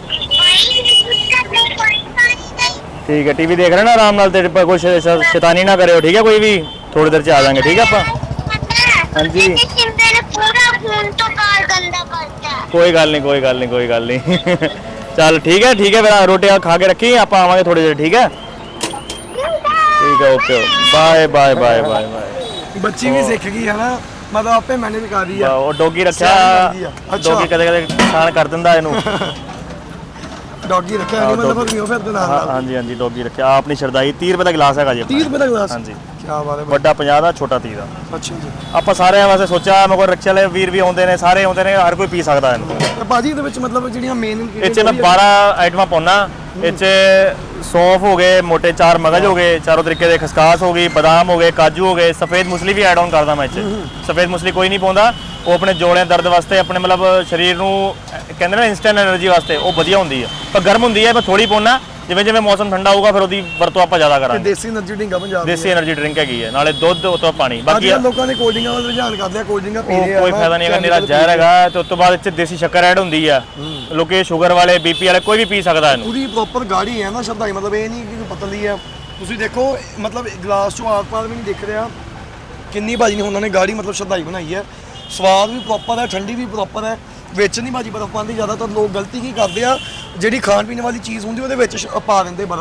C: ਠੀਕ ਹੈ ਟੀਵੀ ਦੇਖ ਰਹੇ ਨਾ ਆਰਾਮ ਨਾਲ ਤੇ ਪ- ਕੁਛ ਸ਼- ਸ਼ੈਤਾਨੀ ਨਾ ਕਰਿਓ ਠੀਕ ਹੈ ਕੋਈ ਵੀ ਥੋੜੀ ਦੇਰ ਚ ਆ ਜਾਾਂਗੇ ਠੀਕ ਹੈ ਆਪਾਂ हाँ जी।
D: पूरा खून तो कार गंदा करता है
C: ਕੋਈ ਗੱਲ ਨਹੀਂ ਕੋਈ ਗੱਲ ਨਹੀਂ ਕੋਈ ਗੱਲ ਨਹੀਂ ਚੱਲ ਠੀਕ ਹੈ ਠੀਕ ਹੈ ਫਿਰ ਰੋਟੀ ਆ ਖਾ ਕੇ ਰੱਖੀ ਆਪਾਂ ਆਵਾਂਗੇ ਥੋੜੀ ਦੇਰ ਠੀਕ ਹੈ ਠੀਕ ਹੈ okay bye bye bye bye bye
B: ਬੱਚੀ ਵੀ ਸਿੱਖ ਗਈ ਹੈ ਨਾ ਮਤਲਬ ਆਪੇ ਮੈਨੇਜ ਕਰ ਰਹੀ ਆ
C: ਉਹ ਡੋਗੀ ਰੱਖਿਆ
B: ਸਿਆਣੀ ਲੱਗਦੀ ਆ। ਅੱਛਾ।
C: ਡੋਗੀ ਕਦੇ ਕਦੇ ਨੁਕਸਾਨ ਕਰ ਦਿੰਦਾ ਇਹਨੂੰ
B: ਡੌਗੀ ਰੱਖਿਆ ਨਹੀਂ ਮਤਲਬ ਨਹੀਂ ਫਿਰ ਦੇ ਨਾਲ
C: ਹਾਂ-
B: ਨਾਲ
C: ਹਾਂਜੀ ਹਾਂਜੀ ਡੋਗੀ ਰੱਖਿਆ ਆਹ ਆਪਣੀ ਸ਼ਰਦਾਈ ਤੀਹ ਰੁਪਏ ਦਾ ਗਲਾਸ ਹੈਗਾ ਜੀ ਆਪਣਾ।
B: ਤੀਹ ਰੁਪਏ ਦਾ ਗਲਾਸ
C: ਹਾਂਜੀ
B: ਕੀ ਬਾਤ ਹੈ
C: ਵੱਡਾ ਪੰਜਾਹ ਦਾ ਛੋਟਾ ਤੀਹ ਦਾ
B: ਅੱਛਾ ਜੀ
C: ਆਪਾਂ ਸਾਰਿਆਂ ਵਾਸਤੇ ਸੋਚਿਆ ਮੇਰੇ ਕੋਲ ਰਿਕਸ਼ੇ ਵਾਲੇ ਵੀਰ ਵੀ ਆਉਂਦੇ ਨੇ ਸਾਰੇ ਆਉਂਦੇ ਨੇ ਹਰ ਕੋਈ ਪੀ ਸਕਦਾ ਇਹਨੂੰ
B: ਤੇ ਬਾਜੀ ਦੇ ਵਿੱਚ ਮਤਲਬ ਜਿਹੜੀਆਂ ਮੇਨ
C: ਇਹ 'ਚ ਮੈਂ ਬਾਰਾਂ ਆਈਟਮਾਂ ਪਾਉਣਾ ਇਹ 'ਚ ਸੌਂਫ ਹੋ ਗਏ ਮੋٹے ਚਾਰ ਮਗਜ ਹੋ ਗਏ ਚਾਰੋਂ ਤਰੀਕੇ ਦੇ ਖਸਕਾਸ ਹੋ ਗਈ ਬਦਾਮ ਹੋ ਗਏ ਕਾਜੂ ਹੋ ਗਏ ਸਫੇਦ ਮੁਸਲੀ ਵੀ ਐਡ ਆਨ ਕਰਦਾ ਮੈਂ ਇਹ 'ਚ ਸਫੇਦ ਮੁਸਲੀ ਕੋਈ ਨਹੀਂ ਪਾਉਂਦਾ ਉਹ ਆਪਣੇ ਜੋੜਿਆਂ ਦਰਦ ਵਾਸਤੇ ਆਪਣੇ ਮਤਲਬ ਸਰੀਰ ਨੂੰ ਅਹ ਕਹਿੰਦੇ ਨੇ ਇਨਸਟੈਂਟ એનર્ਜੀ ਵਾਸਤੇ ਉਹ ਵਧੀਆ ਹੁੰਦੀ ਹੈ ਪਰ ਗਰਮ ਹੁੰਦੀ ਹੈ ਮੈਂ ਥੋੜੀ ਪਾਉਣਾ ਜਿਵੇਂ ਜਿਵੇਂ ਮੌਸਮ ਠੰਡਾ ਹੋਊਗਾ ਫਿਰ ਉਹਦੀ ਵਰਤੋਂ ਆਪਾਂ ਜ਼ਿਆਦਾ ਕਰਾਂਗੇ
B: ਦੇਸੀ એનર્ਜੀ ਡਿੰਗਾ ਪੰਜਾਬ ਦੀ
C: ਦੇਸੀ એનર્ਜੀ ਡਰਿੰਕ ਹੈਗੀ ਹੈ ਨਾਲੇ ਦੁੱਧ ਉਤੋਂ ਪਾਣੀ
B: ਅੱਜ
C: ਬਾਕੀ
B: ਕੱਲ੍ਹ ਲੋਕਾਂ ਨੇ ਕੋਲਡ ਡਰਿੰਕਾਂ ਵੱਲ ਰੁਝਾਨ ਕਰਦੇ ਆ ਕੋਲਡ ਡਰਿੰਕਾਂ ਪੀ
C: ਉਹ
B: ਰਹੇ ਆ
C: ਕੋਈ
B: ਨਾ,
C: ਫਾਇਦਾ ਨਹੀਂ ਹੈਗਾ
B: chemical
C: ਨਿਰਾ
B: ਪੀ
C: ਜ਼ਹਿਰ
B: ਰਹੇ ਆ।
C: ਹੈਗਾ ਤੇ ਉਸ ਤੋਂ ਬਾਅਦ ਇਹ 'ਚ ਦੇਸੀ ਸ਼ੱਕਰ ਐਡ ਹੁੰਦੀ ਆ ਲੋਕੀ ਸ਼ੂਗਰ ਵਾਲੇ ਬੀਪੀ ਵਾਲੇ ਕੋਈ ਵੀ ਪੀ ਸਕਦਾ ਇਹਨੂੰ
B: ਪੂਰੀ ਪ੍ਰੋਪਰ ਗਾੜੀ ਹੈ ਨਾ ਸ਼ਰਦਾਈ ਮਤਲਬ ਇਹ ਨਹੀਂ ਕਿ ਪਤਲੀ ਆ ਤੁਸੀਂ ਦੇਖੋ ਮਤਲਬ ਗਲਾਸ ਚੋਂ ਆਰ ਪਾਰ ਵੀ ਨਹੀਂ ਦਿਖ ਰਿਹਾ ਕਿੰਨੀ ਭਾਜੀ ਨੇ ਉਹਨਾਂ ਨੇ ਗਾੜੀ ਮਤਲਬ ਸ਼ਰਦਾਈ ਬਣਾਈ ਹੈ ਸਵਾਦ ਵੀ ਪ੍ਰੋਪਰ ਹੈ ਠੰਡੀ ਵੀ ਪ੍ਰੋਪਰ ਹੈ ਵਿੱਚ ਨਹੀਂ ਭਾਜੀ ਬਰਫ਼ ਪਾਉਂਦੇ ਜ਼ਿਆਦਾਤਰ ਲੋਕ ਗਲਤੀ ਕੀ ਕਰਦੇ ਆ ਜਿਹੜੀ ਖਾਣ ਪੀਣ ਵਾਲੀ ਚੀਜ਼ ਹੁੰਦੀ ਉਹਦੇ ਵਿੱਚ ਸ਼- ਪਾ ਦਿੰਦੇ ਬਰਫ਼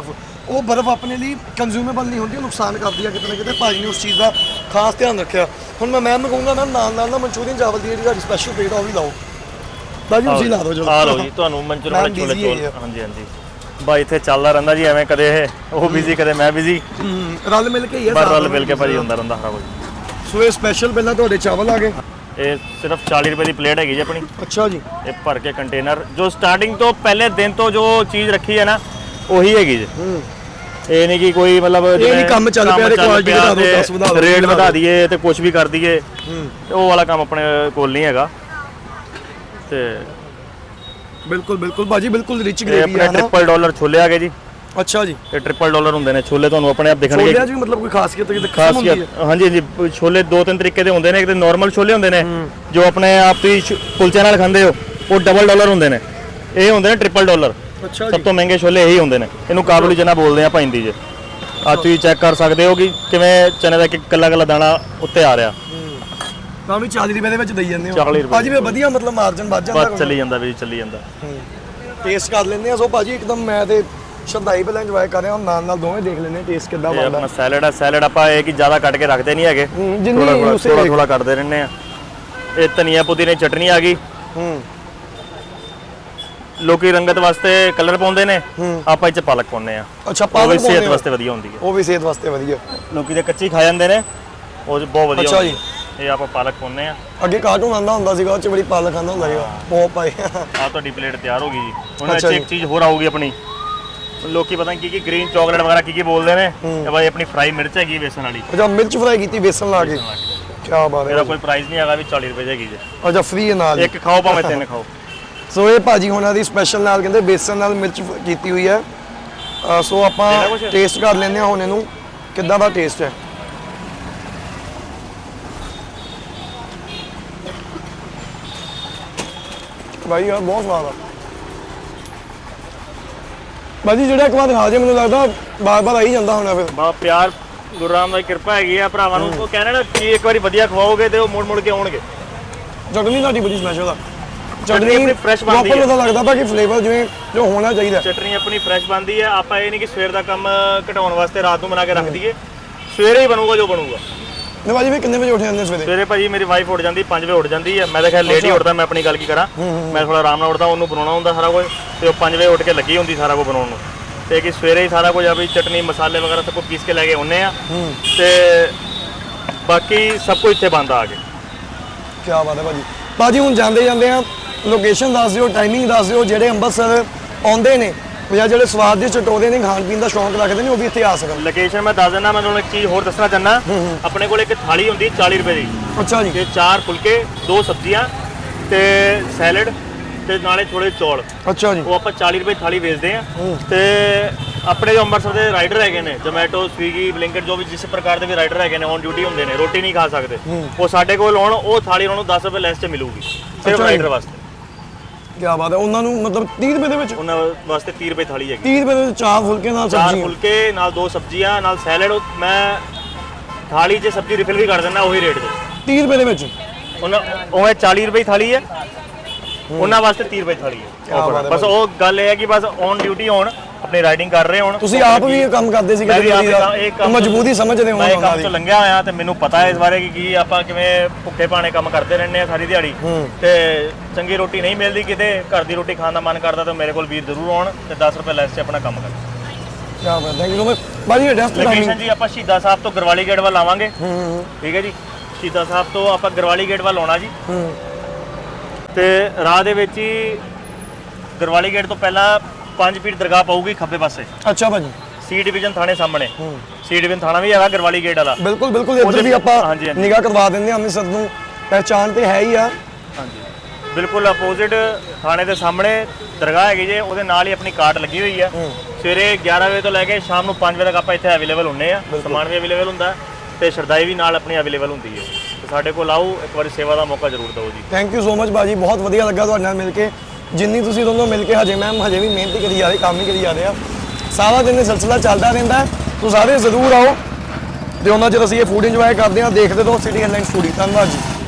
B: ਉਹ ਬਰਫ਼ ਆਪਣੇ ਲਈ ਕੰਜ਼ਿਊਮੇਬਲ ਨਹੀਂ ਹੁੰਦੀ, ਉਹ ਨੁਕਸਾਨ ਕਰਦੀ ਆ ਕਿਤੇ ਨਾ ਕਿਤੇ। ਭਾਜੀ ਨੇ ਉਸ ਚੀਜ਼ ਦਾ ਖਾਸ ਧਿਆਨ ਰੱਖਿਆ। ਹੁਣ ਮੈਂ ਮੈਮ ਨੂੰ ਕਹੂੰਗਾ ਮੈਮ ਨਾਲ ਨਾਲ ਨਾ ਮਨਚੂਰੀਅਨ ਚਾਵਲ ਦੀ ਜਿਹੜੀ ਤੁਹਾਡੀ ਸਪੈਸ਼ਲ ਪਲੇਟ ਆ ਉਹ ਵੀ ਲਾਓ। ਭਾਜੀ ਤੁਸੀਂ ਲਾ ਦਿਓ ਚਲੋ।
C: ਆ ਲਓ ਜੀ ਤੁਹਾਨੂੰ ਮਨਚੂਰੀਅਨ ਵਾਲੇ
B: Ma'am
C: ਛੋਲੇ
B: busy
C: ਚੋਲ।
B: ਹੈਗੇ ਆ।
C: ਹਾਂਜੀ ਹਾਂਜੀ ਬਾਈ ਇੱਥੇ ਚੱਲਦਾ ਰਹਿੰਦਾ ਜੀ ਐਵੇਂ, ਕਦੇ ਇਹ ਉਹ ਬਿਜ਼ੀ ਕਦੇ ਮੈਂ ਬਿਜ਼ੀ,
B: ਹੂੰ, ਰਲ ਮਿਲ ਕੇ ਹੀ ਆ
C: ਪਰ
B: ਸਾਰਾ
C: ਰਲ ਮਿਲ ਕੇ ਭਾਜੀ ਹੁੰਦਾ ਰਹਿੰਦਾ ਸਾਰਾ ਕੁਝ।
B: ਸੋ ਇਹ ਸਪੈਸ਼ਲ ਪਹਿਲਾਂ ਤੁਹਾਡੇ ਚਾਵਲ ਆ ਗਏ।
C: ਇਹ ਸਿਰਫ ਚਾਲੀ ਰੁਪਏ ਦੀ ਪਲੇਟ ਹੈਗੀ ਜੀ ਆਪਣੀ।
B: ਅੱਛਾ ਜੀ।
C: ਇਹ ਭਰ ਕੇ ਕੰਟੇਨਰ ਜੋ ਸਟਾਰਟਿੰਗ ਤੋਂ ਪਹਿਲੇ ਦਿਨ ਤੋਂ ਜੋ ਚੀਜ਼ ਰੱਖੀ ਹੈ ਨਾ ਉਹੀ ਹੈਗੀ ਜੀ।
B: ਹੂੰ
C: ਇਹ ਨਹੀਂ ਕਿ ਕੋਈ ਮਤਲਬ
B: ਇਹ ਨਹੀਂ ਕੰਮ ਚੱਲ ਪਿਆ ਤੇ ਕੁਆਲਿਟੀ ਵਧਾ ਦਿਓ, ਦਸ ਵਧਾ ਦਿਓ,
C: ਰੇਟ ਵਧਾ ਦਈਏ ਤੇ ਕੁਝ ਵੀ ਕਰ ਦਈਏ,
B: ਹੂੰ
C: ਉਹ ਵਾਲਾ ਕੰਮ ਆਪਣੇ ਕੋਲ ਨਹੀਂ ਹੈਗਾ। ਤੇ
B: ਬਿਲਕੁਲ ਬਿਲਕੁਲ ਭਾਜੀ ਬਿਲਕੁਲ ਰਿਚ
C: ਇਹ
B: ਗ੍ਰੇਵੀ
C: ਆਪਣੇ
B: ਆ ਨਾ।
C: ਟ੍ਰਿਪਲ ਡਾਲਰ ਛੋਲੇ ਆ ਗਏ ਜੀ।
B: ਅੱਛਾ ਜੀ।
C: ਇਹ ਟ੍ਰਿਪਲ ਡਾਲਰ ਹੁੰਦੇ ਨੇ ਛੋਲੇ, ਤੁਹਾਨੂੰ ਆਪਣੇ ਆਪ ਦਿਖਣਗੇ।
B: ਛੋਲਿਆਂ 'ਚ ਵੀ ਮਤਲਬ ਕੋਈ ਖਾਸੀਅਤ ਕਿਤੇ ਖਸਮ ਹੁੰਦੀ ਹੈ?
C: ਖਾਸੀਅਤ ਹਾਂਜੀ ਹਾਂਜੀ ਛੋਲੇ ਦੋ ਤਿੰਨ ਤਰੀਕੇ ਦੇ ਹੁੰਦੇ ਨੇ। ਇੱਕ ਤੇ ਨਾਰਮਲ ਛੋਲੇ ਹੁੰਦੇ ਨੇ ਜੋ ਆਪਣੇ ਆਪ ਤੁਸੀਂ ਕੁਲਚੇ ਨਾਲ ਖਾਂਦੇ ਹੋ, ਉਹ ਡਬਲ ਡਾਲਰ ਹੁੰਦੇ ਨੇ। ਇਹ ਹੁੰਦੇ ਨੇ ਟ੍ਰਿਪਲ ਡਾਲਰ।
B: ਅੱਛਾ
C: ਸਭ ਤੋਂ ਮਹਿੰਗੇ ਛੋਲੇ ਇਹੀ ਹੁੰਦੇ ਨੇ। ਇਹਨੂੰ ਕਾਬੁਲੀ ਚਨਾ ਬੋਲਦੇ ਆ ਪੈਂਦੀ ਜੇ। ਆ ਤੁਸੀਂ ਚੈੱਕ ਕਰ ਸਕਦੇ ਹੋ ਕਿ ਕਿਵੇਂ ਚਨੇ ਦਾ ਇੱਕ ਕੱਲਾ ਕੱਲਾ ਦਾਣਾ ਉੱਤੇ ਆ ਰਿਹਾ।
B: ਤਾਂ ਵੀ ਚਾਲੀ ਰੁਪਏ ਦੇ ਵਿੱਚ ਦੇਈ ਜਾਂਦੇ ਹੋ
C: ਚਾਲੀ ਰੁਪਏ
B: ਭਾਜੀ। ਵੀ ਵਧੀਆ ਮਤਲਬ ਮਾਰਜਨ ਵੱਧ ਜਾਂਦਾ।
C: ਬਸ ਚੱਲੀ ਜਾਂਦਾ ਵੀ ਚੱਲੀ ਜਾਂਦਾ।
B: ਟੇਸਟ ਕਰ ਲੈਂਦੇ ਆ। ਸੋ ਭਾਜੀ ਇੱਕਦਮ ਮੈਂ ਤੇ ਸ਼ਰਦਾਈ ਪਹਿਲਾਂ ਇੰਜੋਏ ਕਰ ਰਿਹਾ ਹਾਂ, ਨਾਲ ਨਾਲ ਦੋਵੇਂ ਦੇਖ ਲੈਂਦੇ ਟੇਸਟ ਕਿੱਦਾਂ
C: ਇਹ
B: ਬਣਦਾ।
C: ਆਪਣਾ ਸੈਲਡ ਆ। ਸੈਲਡ ਆਪਾਂ ਇਹ ਕਿ ਜ਼ਿਆਦਾ ਕੱਟ ਕੇ ਰੱਖਦੇ ਨਹੀਂ ਹੈਗੇ,
B: ਹੂੰ, ਜਿੰਨੀ
C: ਥੋੜਾ ਥੋੜਾ
B: ਉਸੇ
C: ਥੋੜਾ ਥੋੜਾ ਕੱਟਦੇ ਰਹਿੰਦੇ ਆ। ਇਹ ਧਨੀਆ ਪੁਦੀਨੇ ਚਟਨੀ ਆ ਗਈ।
B: ਹੂੰ
C: ਲੋਕੀ ਰੰਗਤ ਵਾਸਤੇ ਕਲਰ ਪਾਉਂਦੇ ਨੇ, ਆਪਾਂ ਇਹ ਚ ਪਾਲਕ ਪਾਉਂਦੇ ਆ।
B: ਅੱਛਾ
C: ਉਹ ਵੀ
B: ਪਾਲਕ
C: ਸਿਹਤ
B: ਪਾਉਂਦੇ ਹੋ?
C: ਵਾਸਤੇ ਵਧੀਆ ਹੁੰਦੀ ਹੈ।
B: ਉਹ ਵੀ ਸਿਹਤ ਵਾਸਤੇ ਵਧੀਆ।
C: ਲੋਕੀ ਤੇ ਕੱਚੀ ਖਾ ਜਾਂਦੇ ਨੇ, ਉਹ 'ਚ ਬਹੁਤ ਵਧੀਆ
B: ਅੱਛਾ
C: ਹੁੰਦੀ ਹੈ। ਇਹ ਆਪਾਂ ਪਾਲਕ ਪਾਉਂਦੇ ਆ।
B: ਅੱਗੇ ਕਾਰਟੂਨ ਆਉਂਦਾ ਹੁੰਦਾ ਸੀਗਾ, ਉਹ ਚ ਬੜੀ ਪਾਲਕ ਆਉਂਦਾ ਹੁੰਦਾ ਸੀਗਾ, ਬਹੁਤ ਪਾਏ।
C: ਆ ਤੁਹਾਡੀ ਪਲੇਟ ਤਿਆਰ ਹੋ ਗਈ ਜੀ। ਹੁਣ ਇਹ
B: ਅੱਛਾ
C: 'ਚ
B: ਜੀ।
C: ਇੱਕ ਚੀਜ਼ ਹੋਰ ਆਊਗੀ ਆਪਣੀ। ਲੋਕੀ ਪਤਾ ਨਹੀਂ ਕੀ ਕੀ ਗ੍ਰੀਨ ਚਾਕਲੇਟ ਵਗੈਰਾ ਕੀ ਕੀ ਬੋਲਦੇ ਨੇ। ਇਹ ਬਾਈ ਆਪਣੀ ਫਰਾਈ ਮਿਰਚ ਹੈਗੀ ਬੇਸਨ ਵਾਲੀ।
B: ਅੱਛਾ ਮਿਰਚ ਫਰਾਈ ਕੀਤੀ ਬੇਸਨ ਲਾ ਕੇ। ਕੀ ਬਾਤ ਹੈ।
C: ਇਹਦਾ ਕੋਈ ਪ੍ਰਾਈਸ ਨਹੀਂ ਹੈਗਾ, ਵੀ ਚਾਲੀ ਰੁਪਏ ਦੀ ਹੈਗੀ ਜੀ।
B: ਅੱਛਾ ਫ੍ਰੀ ਹੈ ਨਾਲ।
C: ਇੱਕ ਖਾਓ ਭਾਵੇਂ ਤਿੰਨ ਖਾਓ।
B: ਸੋ ਇਹ ਭਾਜੀ ਹੋਣਾ ਦੀ ਸਪੈਸ਼ਲ ਨਾਲ ਕਹਿੰਦੇ ਬੇਸਨ ਨਾਲ ਮਿਰਚ ਫ- ਕੀਤੀ ਹੋਈ ਹੈ। ਅ, ਸੋ ਆਪਾਂ
C: ਲੈਣਾ ਕੁਛ?
B: ਟੇਸਟ ਕਰ ਲੈਂਦੇ ਹਾਂ ਹੁਣ ਇਹਨੂੰ ਕਿੱਦਾਂ ਦਾ ਟੇਸਟ ਹੈ। ਭਾਈ ਯਾਰ ਬਹੁਤ ਸਵਾਦ ਆ ਭਾਜੀ। ਜਿਹੜਾ ਇੱਕ ਵਾਰ ਖਾ ਜੇ ਮੈਨੂੰ ਲੱਗਦਾ ਬਾਰ ਬਾਰ ਆਈ ਜਾਂਦਾ ਹੋਣਾ ਫਿਰ।
C: ਬਾ ਪਿਆਰ ਗੁਰੂ ਰਾਮ ਦੀ ਕਿਰਪਾ ਹੈਗੀ ਆ ਭਰਾਵਾਂ ਨੂੰ। ਉਹ ਕਹਿੰਦੇ ਨਾ ਕਿ ਇੱਕ ਵਾਰੀ ਵਧੀਆ ਖਵਾਓਗੇ ਤੇ ਉਹ ਮੁੜ ਮੁੜ ਕੇ ਆਉਣਗੇ।
B: ਚਟਨੀ ਤੁਹਾਡੀ ਬੜੀ ਸਪੈਸ਼ਲ ਆ।
C: ਚਟਨੀ ਆਪਣੀ fresh ਬਣਦੀ
B: proper
C: ਹੈ।
B: ਪਤਾ ਲੱਗਦਾ ਬਾਕੀ ਫਲੇਵਰ ਜਿਵੇਂ ਜੋ ਹੋਣਾ ਚਾਹੀਦਾ।
C: ਚਟਨੀ ਆਪਣੀ ਫਰੈਸ਼ ਬਣਦੀ ਹੈ। ਆਪਾਂ ਇਹ ਨਹੀਂ ਕਿ ਸਵੇਰ ਦਾ ਕੰਮ ਘਟਾਉਣ ਵਾਸਤੇ ਰਾਤ ਨੂੰ ਬਣਾ ਕੇ ਰੱਖ ਦਈਏ। ਸਵੇਰੇ ਹੀ ਬਣੂਗਾ ਜੋ ਬਣੂਗਾ।
B: ਨੇ ਭਾਜੀ ਵੀ ਕਿੰਨੇ ਵਜੇ ਉੱਠ ਜਾਂਦੇ ਸਵੇਰੇ?
C: ਸਵੇਰੇ ਭਾਜੀ ਮੇਰੀ ਵਾਈਫ ਉੱਠ ਜਾਂਦੀ ਪੰਜ ਵਜੇ ਉੱਠ ਜਾਂਦੀ ਹੈ। ਮੈਂ ਤਾਂ ਖੈਰ ਲੇਟ ਹੀ ਉੱਠਦਾ, ਮੈਂ ਆਪਣੀ ਗੱਲ ਕੀ ਕਰਾਂ। ਮੈਂ ਥੋੜਾ ਆਰਾਮ ਨਾਲ ਉੱਠਦਾ, ਉਹਨੂੰ ਬਣਾਉਣਾ ਹੁੰਦਾ ਸਾਰਾ ਕੁਝ, ਤੇ ਉਹ ਪੰਜ ਵਜੇ ਉੱਠ ਕੇ ਲੱਗੀ ਹੁੰਦੀ ਸਾਰਾ ਕੁਝ ਬਣਾਉਣ ਨੂੰ। ਤੇ ਕਿ ਸਵੇਰੇ ਹੀ ਸਾਰਾ ਕੁਝ ਆ ਵੀ ਚਟਨੀ ਮਸਾਲੇ ਵਗੈਰਾ ਸਭ ਕੁਝ ਪੀਸ ਕੇ ਲੈ ਕੇ ਆਉਂਦੇ ਆ। ਤੇ ਬਾਕੀ ਸਭ ਕੁਝ ਇੱਥੇ ਬਣਦਾ ਆ ਕੇ।
B: ਕੀ ਬਾਤ ਹੈ ਭਾਜੀ। ਭਾਜੀ ਹੁਣ ਜਾਂਦੇ ਜਾਂਦੇ ਆ ਲੋਕੇਸ਼ਨ ਦੱਸ ਦਿਓ, ਟਾਈਮਿੰਗ ਦੱਸ ਦਿਓ। ਜਿਹੜੇ ਅੰਮ੍ਰਿਤਸਰ ਆਉਂਦੇ ਨੇ ਜਾਂ ਜਿਹੜੇ ਸਵਾਦ ਦੇ ਚਟੋਰੇ ਨੇ, ਖਾਣ ਪੀਣ ਦਾ ਸ਼ੌਂਕ ਰੱਖਦੇ ਨੇ, ਉਹ ਵੀ ਇੱਥੇ ਆ ਸਕਣ।
C: ਲੋਕੇਸ਼ਨ ਮੈਂ ਦੱਸ ਦਿੰਦਾ। ਮੈਂ ਤੁਹਾਨੂੰ ਇੱਕ ਚੀਜ਼ ਹੋਰ ਦੱਸਣਾ ਚਾਹੁੰਦਾ। ਆਪਣੇ ਕੋਲ ਇੱਕ ਥਾਲੀ ਹੁੰਦੀ ਹੈ ਚਾਲੀ ਰੁਪਏ ਦੀ।
B: ਅੱਛਾ ਜੀ।
C: ਤੇ ਚਾਰ ਫੁਲਕੇ, ਦੋ ਸਬਜ਼ੀਆਂ ਤੇ ਸੈਲਡ ਤੇ ਨਾਲੇ ਥੋੜੇ ਚੌਲ।
B: ਅੱਛਾ ਜੀ।
C: ਉਹ ਆਪਾਂ ਚਾਲੀ ਰੁਪਏ ਥਾਲੀ ਵੇਚਦੇ ਆ। ਤੇ ਆਪਣੇ ਜੋ ਅੰਮ੍ਰਿਤਸਰ ਦੇ ਰਾਈਡਰ ਹੈਗੇ ਨੇ, ਜ਼ੋਮੈਟੋ, ਸਵੀਗੀ, ਬਲਿੰਕਟ, ਜੋ ਵੀ ਜਿਸ ਪ੍ਰਕਾਰ ਦੇ ਵੀ ਰਾਈਡਰ ਹੈਗੇ ਨੇ, ਔਨ ਡਿਊਟੀ ਹੁੰਦੇ ਨੇ, ਰੋਟੀ ਨਹੀਂ ਖਾ ਸਕਦੇ, ਉਹ ਸਾਡੇ ਕੋਲ ਆਉਣ, ਉਹ ਥਾਲੀ ਉਹਨਾਂ ਨੂੰ ਦਸ ਰੁਪਏ ਲੈਸ 'ਚ ਮਿਲੂਗੀ ਸਿਰਫ
B: ਅੱਛਾ ਜੀ।
C: ਰਾਈਡਰ ਵਾਸਤੇ।
B: ਕੀ ਬਾਤ ਹੈ। ਉਹਨਾਂ ਨੂੰ ਮਤਲਬ ਤੀਹ ਰੁਪਏ ਦੇ ਵਿੱਚ?
C: ਉਹਨਾਂ ਵਾਸਤੇ ਤੀਹ ਰੁਪਏ ਥਾਲੀ ਹੈਗੀ।
B: ਤੀਹ ਰੁਪਏ ਦੇ ਵਿੱਚ ਚਾਰ ਫੁਲਕੇ ਨਾਲ
C: ਚਾਰ
B: ਸਬਜ਼ੀ?
C: ਫੁਲਕੇ ਨਾਲ ਦੋ ਸਬਜ਼ੀਆਂ ਨਾਲ ਸੈਲਡ। ਮੈਂ ਥਾਲੀ 'ਚ ਸਬਜ਼ੀ ਰਿਫਿਲ ਵੀ ਕਰ ਦਿੰਦਾ ਉਹੀ ਰੇਟ 'ਚ।
B: ਤੀਹ ਰੁਪਏ ਦੇ ਵਿੱਚ?
C: ਉਹਨਾਂ ਉਹ ਚਾਲੀ ਰੁਪਏ ਥਾਲੀ ਹੈ, ਉਹਨਾਂ ਵਾਸਤੇ ਤੀਹ ਰੁਪਏ ਥਾਲੀ ਹੈ।
B: ਬਾਤ ਹੈ
C: ਬਸ ਉਹ ਗੱਲ ਇਹ ਹੈ ਕਿ ਬਸ ਔਨ ਡਿਊਟੀ ਹੋਣ, ਆਪਣੀ ਰਾਈਡਿੰਗ ਕਰ ਰਹੇ ਹੋਣ।
B: ਤੁਸੀਂ ਆਪ ਵੀ ਇਹ ਕੰਮ ਕਰਦੇ ਸੀ
C: ਮੈਂ ਵੀ ਆਪ
B: ਕਦੇ?
C: ਇਹ ਕੰਮ- ਇਹ ਕੰਮ-
B: ਮਜਬੂਰੀ ਸਮਝਦੇ ਹੋ
C: ਮੈਂ ਇਹ
B: ਉਹਨਾਂ
C: ਕੰਮ
B: ਦੀ?
C: ਤੋਂ ਲੰਘਿਆ ਹੋਇਆ ਤੇ ਮੈਨੂੰ ਪਤਾ ਹੈ ਇਸ ਬਾਰੇ ਕਿ ਕੀ ਆਪਾਂ ਕਿਵੇਂ ਭੁੱਖੇ ਭਾਣੇ ਕੰਮ ਕਰਦੇ ਰਹਿੰਦੇ ਆ ਸਾਰੀ ਦਿਹਾੜੀ। ਤੇ ਚੰਗੀ ਰੋਟੀ ਨਹੀਂ ਮਿਲਦੀ ਕਿਤੇ, ਘਰ ਦੀ ਰੋਟੀ ਖਾਣ ਦਾ ਮਨ ਕਰਦਾ ਤਾਂ ਮੇਰੇ ਕੋਲ ਵੀਰ ਜ਼ਰੂਰ ਆਉਣ ਤੇ ਦਸ ਰੁਪਏ ਲੈਸ 'ਚ ਆਪਣਾ ਕੰਮ ਕਰਨ।
B: ਕੀ ਬਾਤ ਹੈ। ਥੈਂਕ ਯੂ ਸੋ ਮਚ ਭਾਜੀ। ਐਡਰੈਸ
C: ਲੋਕੇਸ਼ਨ ਜੀ ਆਪਾਂ ਸ਼ਹੀਦਾਂ ਸਾਹਿਬ ਤੋਂ ਗਰਵਾਲੀ ਗੇਟ ਵੱਲ ਆਵਾਂਗੇ। ਠੀਕ ਹੈ ਜੀ। ਸ਼ਹੀਦਾਂ ਸਾਹਿਬ ਤੋਂ ਆਪਾਂ ਗਰਵਾਲੀ ਗੇਟ ਵੱਲ ਆਉਣਾ ਜੀ। ਤੇ ਰਾਹ ਦੇ ਵਿੱਚ ਹੀ ਗਰਵਾਲੀ ਗੇਟ ਤੋਂ ਪਹਿਲਾਂ ਪੰਜ ਫੀਟ ਦਰਗਾਹ ਪਊਗੀ ਖੱਬੇ ਪਾਸੇ।
B: ਅੱਛਾ ਭਾਜੀ।
C: ਸੀ ਡਿਵੀਜ਼ਨ ਥਾਣੇ ਸਾਹਮਣੇ। ਸੀ ਡਿਵੀਜ਼ਨ ਥਾਣਾ ਵੀ ਹੈਗਾ ਗਰਵਾਲੀ ਗੇਟ ਵਾਲਾ।
B: ਬਿਲਕੁਲ ਬਿਲकुल ਇੱਧਰ ਵੀ ਆਪਾਂ
C: ਹਾਂਜੀ, ਹਾਂਜੀ।
B: ਨਿਗਾਹ ਕਰਵਾ ਦਿੰਦੇ ਹਾਂ। ਅੰਮ੍ਰਿਤਸਰ ਨੂੰ ਪਹਿਚਾਣ ਤੇ ਹੈ ਹੀ ਆ।
C: ਹਾਂਜੀ ਬਿਲਕੁਲ ਅਪੋਜ਼ਿਟ ਥਾਣੇ ਦੇ ਸਾਹਮਣੇ ਦਰਗਾਹ ਹੈਗੀ ਜੇ, ਉਹਦੇ ਨਾਲ ਹੀ ਆਪਣੀ ਕਾਰਟ ਲੱਗੀ ਹੋਈ ਆ। ਸਵੇਰੇ ਗਿਆਰਾਂ ਵਜੇ ਤੋਂ ਲੈ ਕੇ ਸ਼ਾਮ ਨੂੰ ਪੰਜ ਵਜੇ ਤੱਕ ਆਪਾਂ ਇੱਥੇ ਅਵੇਲੇਬਲ ਹੁੰਨੇ ਆ। ਸਮਾਨ ਵੀ ਅਵੇਲੇਬਲ ਹੁੰਦਾ ਤੇ ਸ਼ਰਦਾਈ ਵੀ ਨਾਲ ਆਪਣੀ ਅਵੇਲੇਬਲ ਹੁੰਦੀ ਹੈ। ਤੇ ਸਾਡੇ ਕੋਲ ਆਓ, ਇੱਕ ਵਾਰੀ ਸੇਵਾ ਦਾ ਮੌਕਾ ਜ਼ਰੂਰ ਦਿਓ ਜੀ।
B: ਥੈਂਕ ਯੂ ਸੋ ਮਚ ਭਾਜੀ। ਬਹੁਤ ਵਧੀਆ ਲੱਗਾ ਤੁਹਾਡੇ ਨਾਲ ਮਿਲ ਕੇ। ਜਿੰਨੀ ਤੁਸੀਂ ਦੋਨੋਂ ਮਿਲ ਕੇ ਹਜੇ ਮੈਮ ਹਜੇ ਵੀ ਮਿਹਨਤ ਕਰੀ ਜਾ ਰਹੇ, ਕੰਮ ਹੀ ਕਰੀ ਜਾ ਰਹੇ ਆ। ਸਾਰਾ ਦਿਨ ਇਹ ਸਿਲਸਿਲਾ ਚੱਲਦਾ ਰਹਿੰਦਾ। ਤੁਸੀਂ ਸਾਰੇ ਜ਼ਰੂਰ ਆਓ ਤੇ ਉਹਨਾਂ ਚਿਰ ਅਸੀਂ ਇਹ ਫੂਡ ਇੰਜੋਏ ਕਰਦੇ ਹਾਂ। ਦੇਖਦੇ ਰਹੋ ਸਿਟੀ ਹੈਡਲਾਈਨਸ ਫੂਡੀ। ਧੰਨਵਾਦ ਜੀ।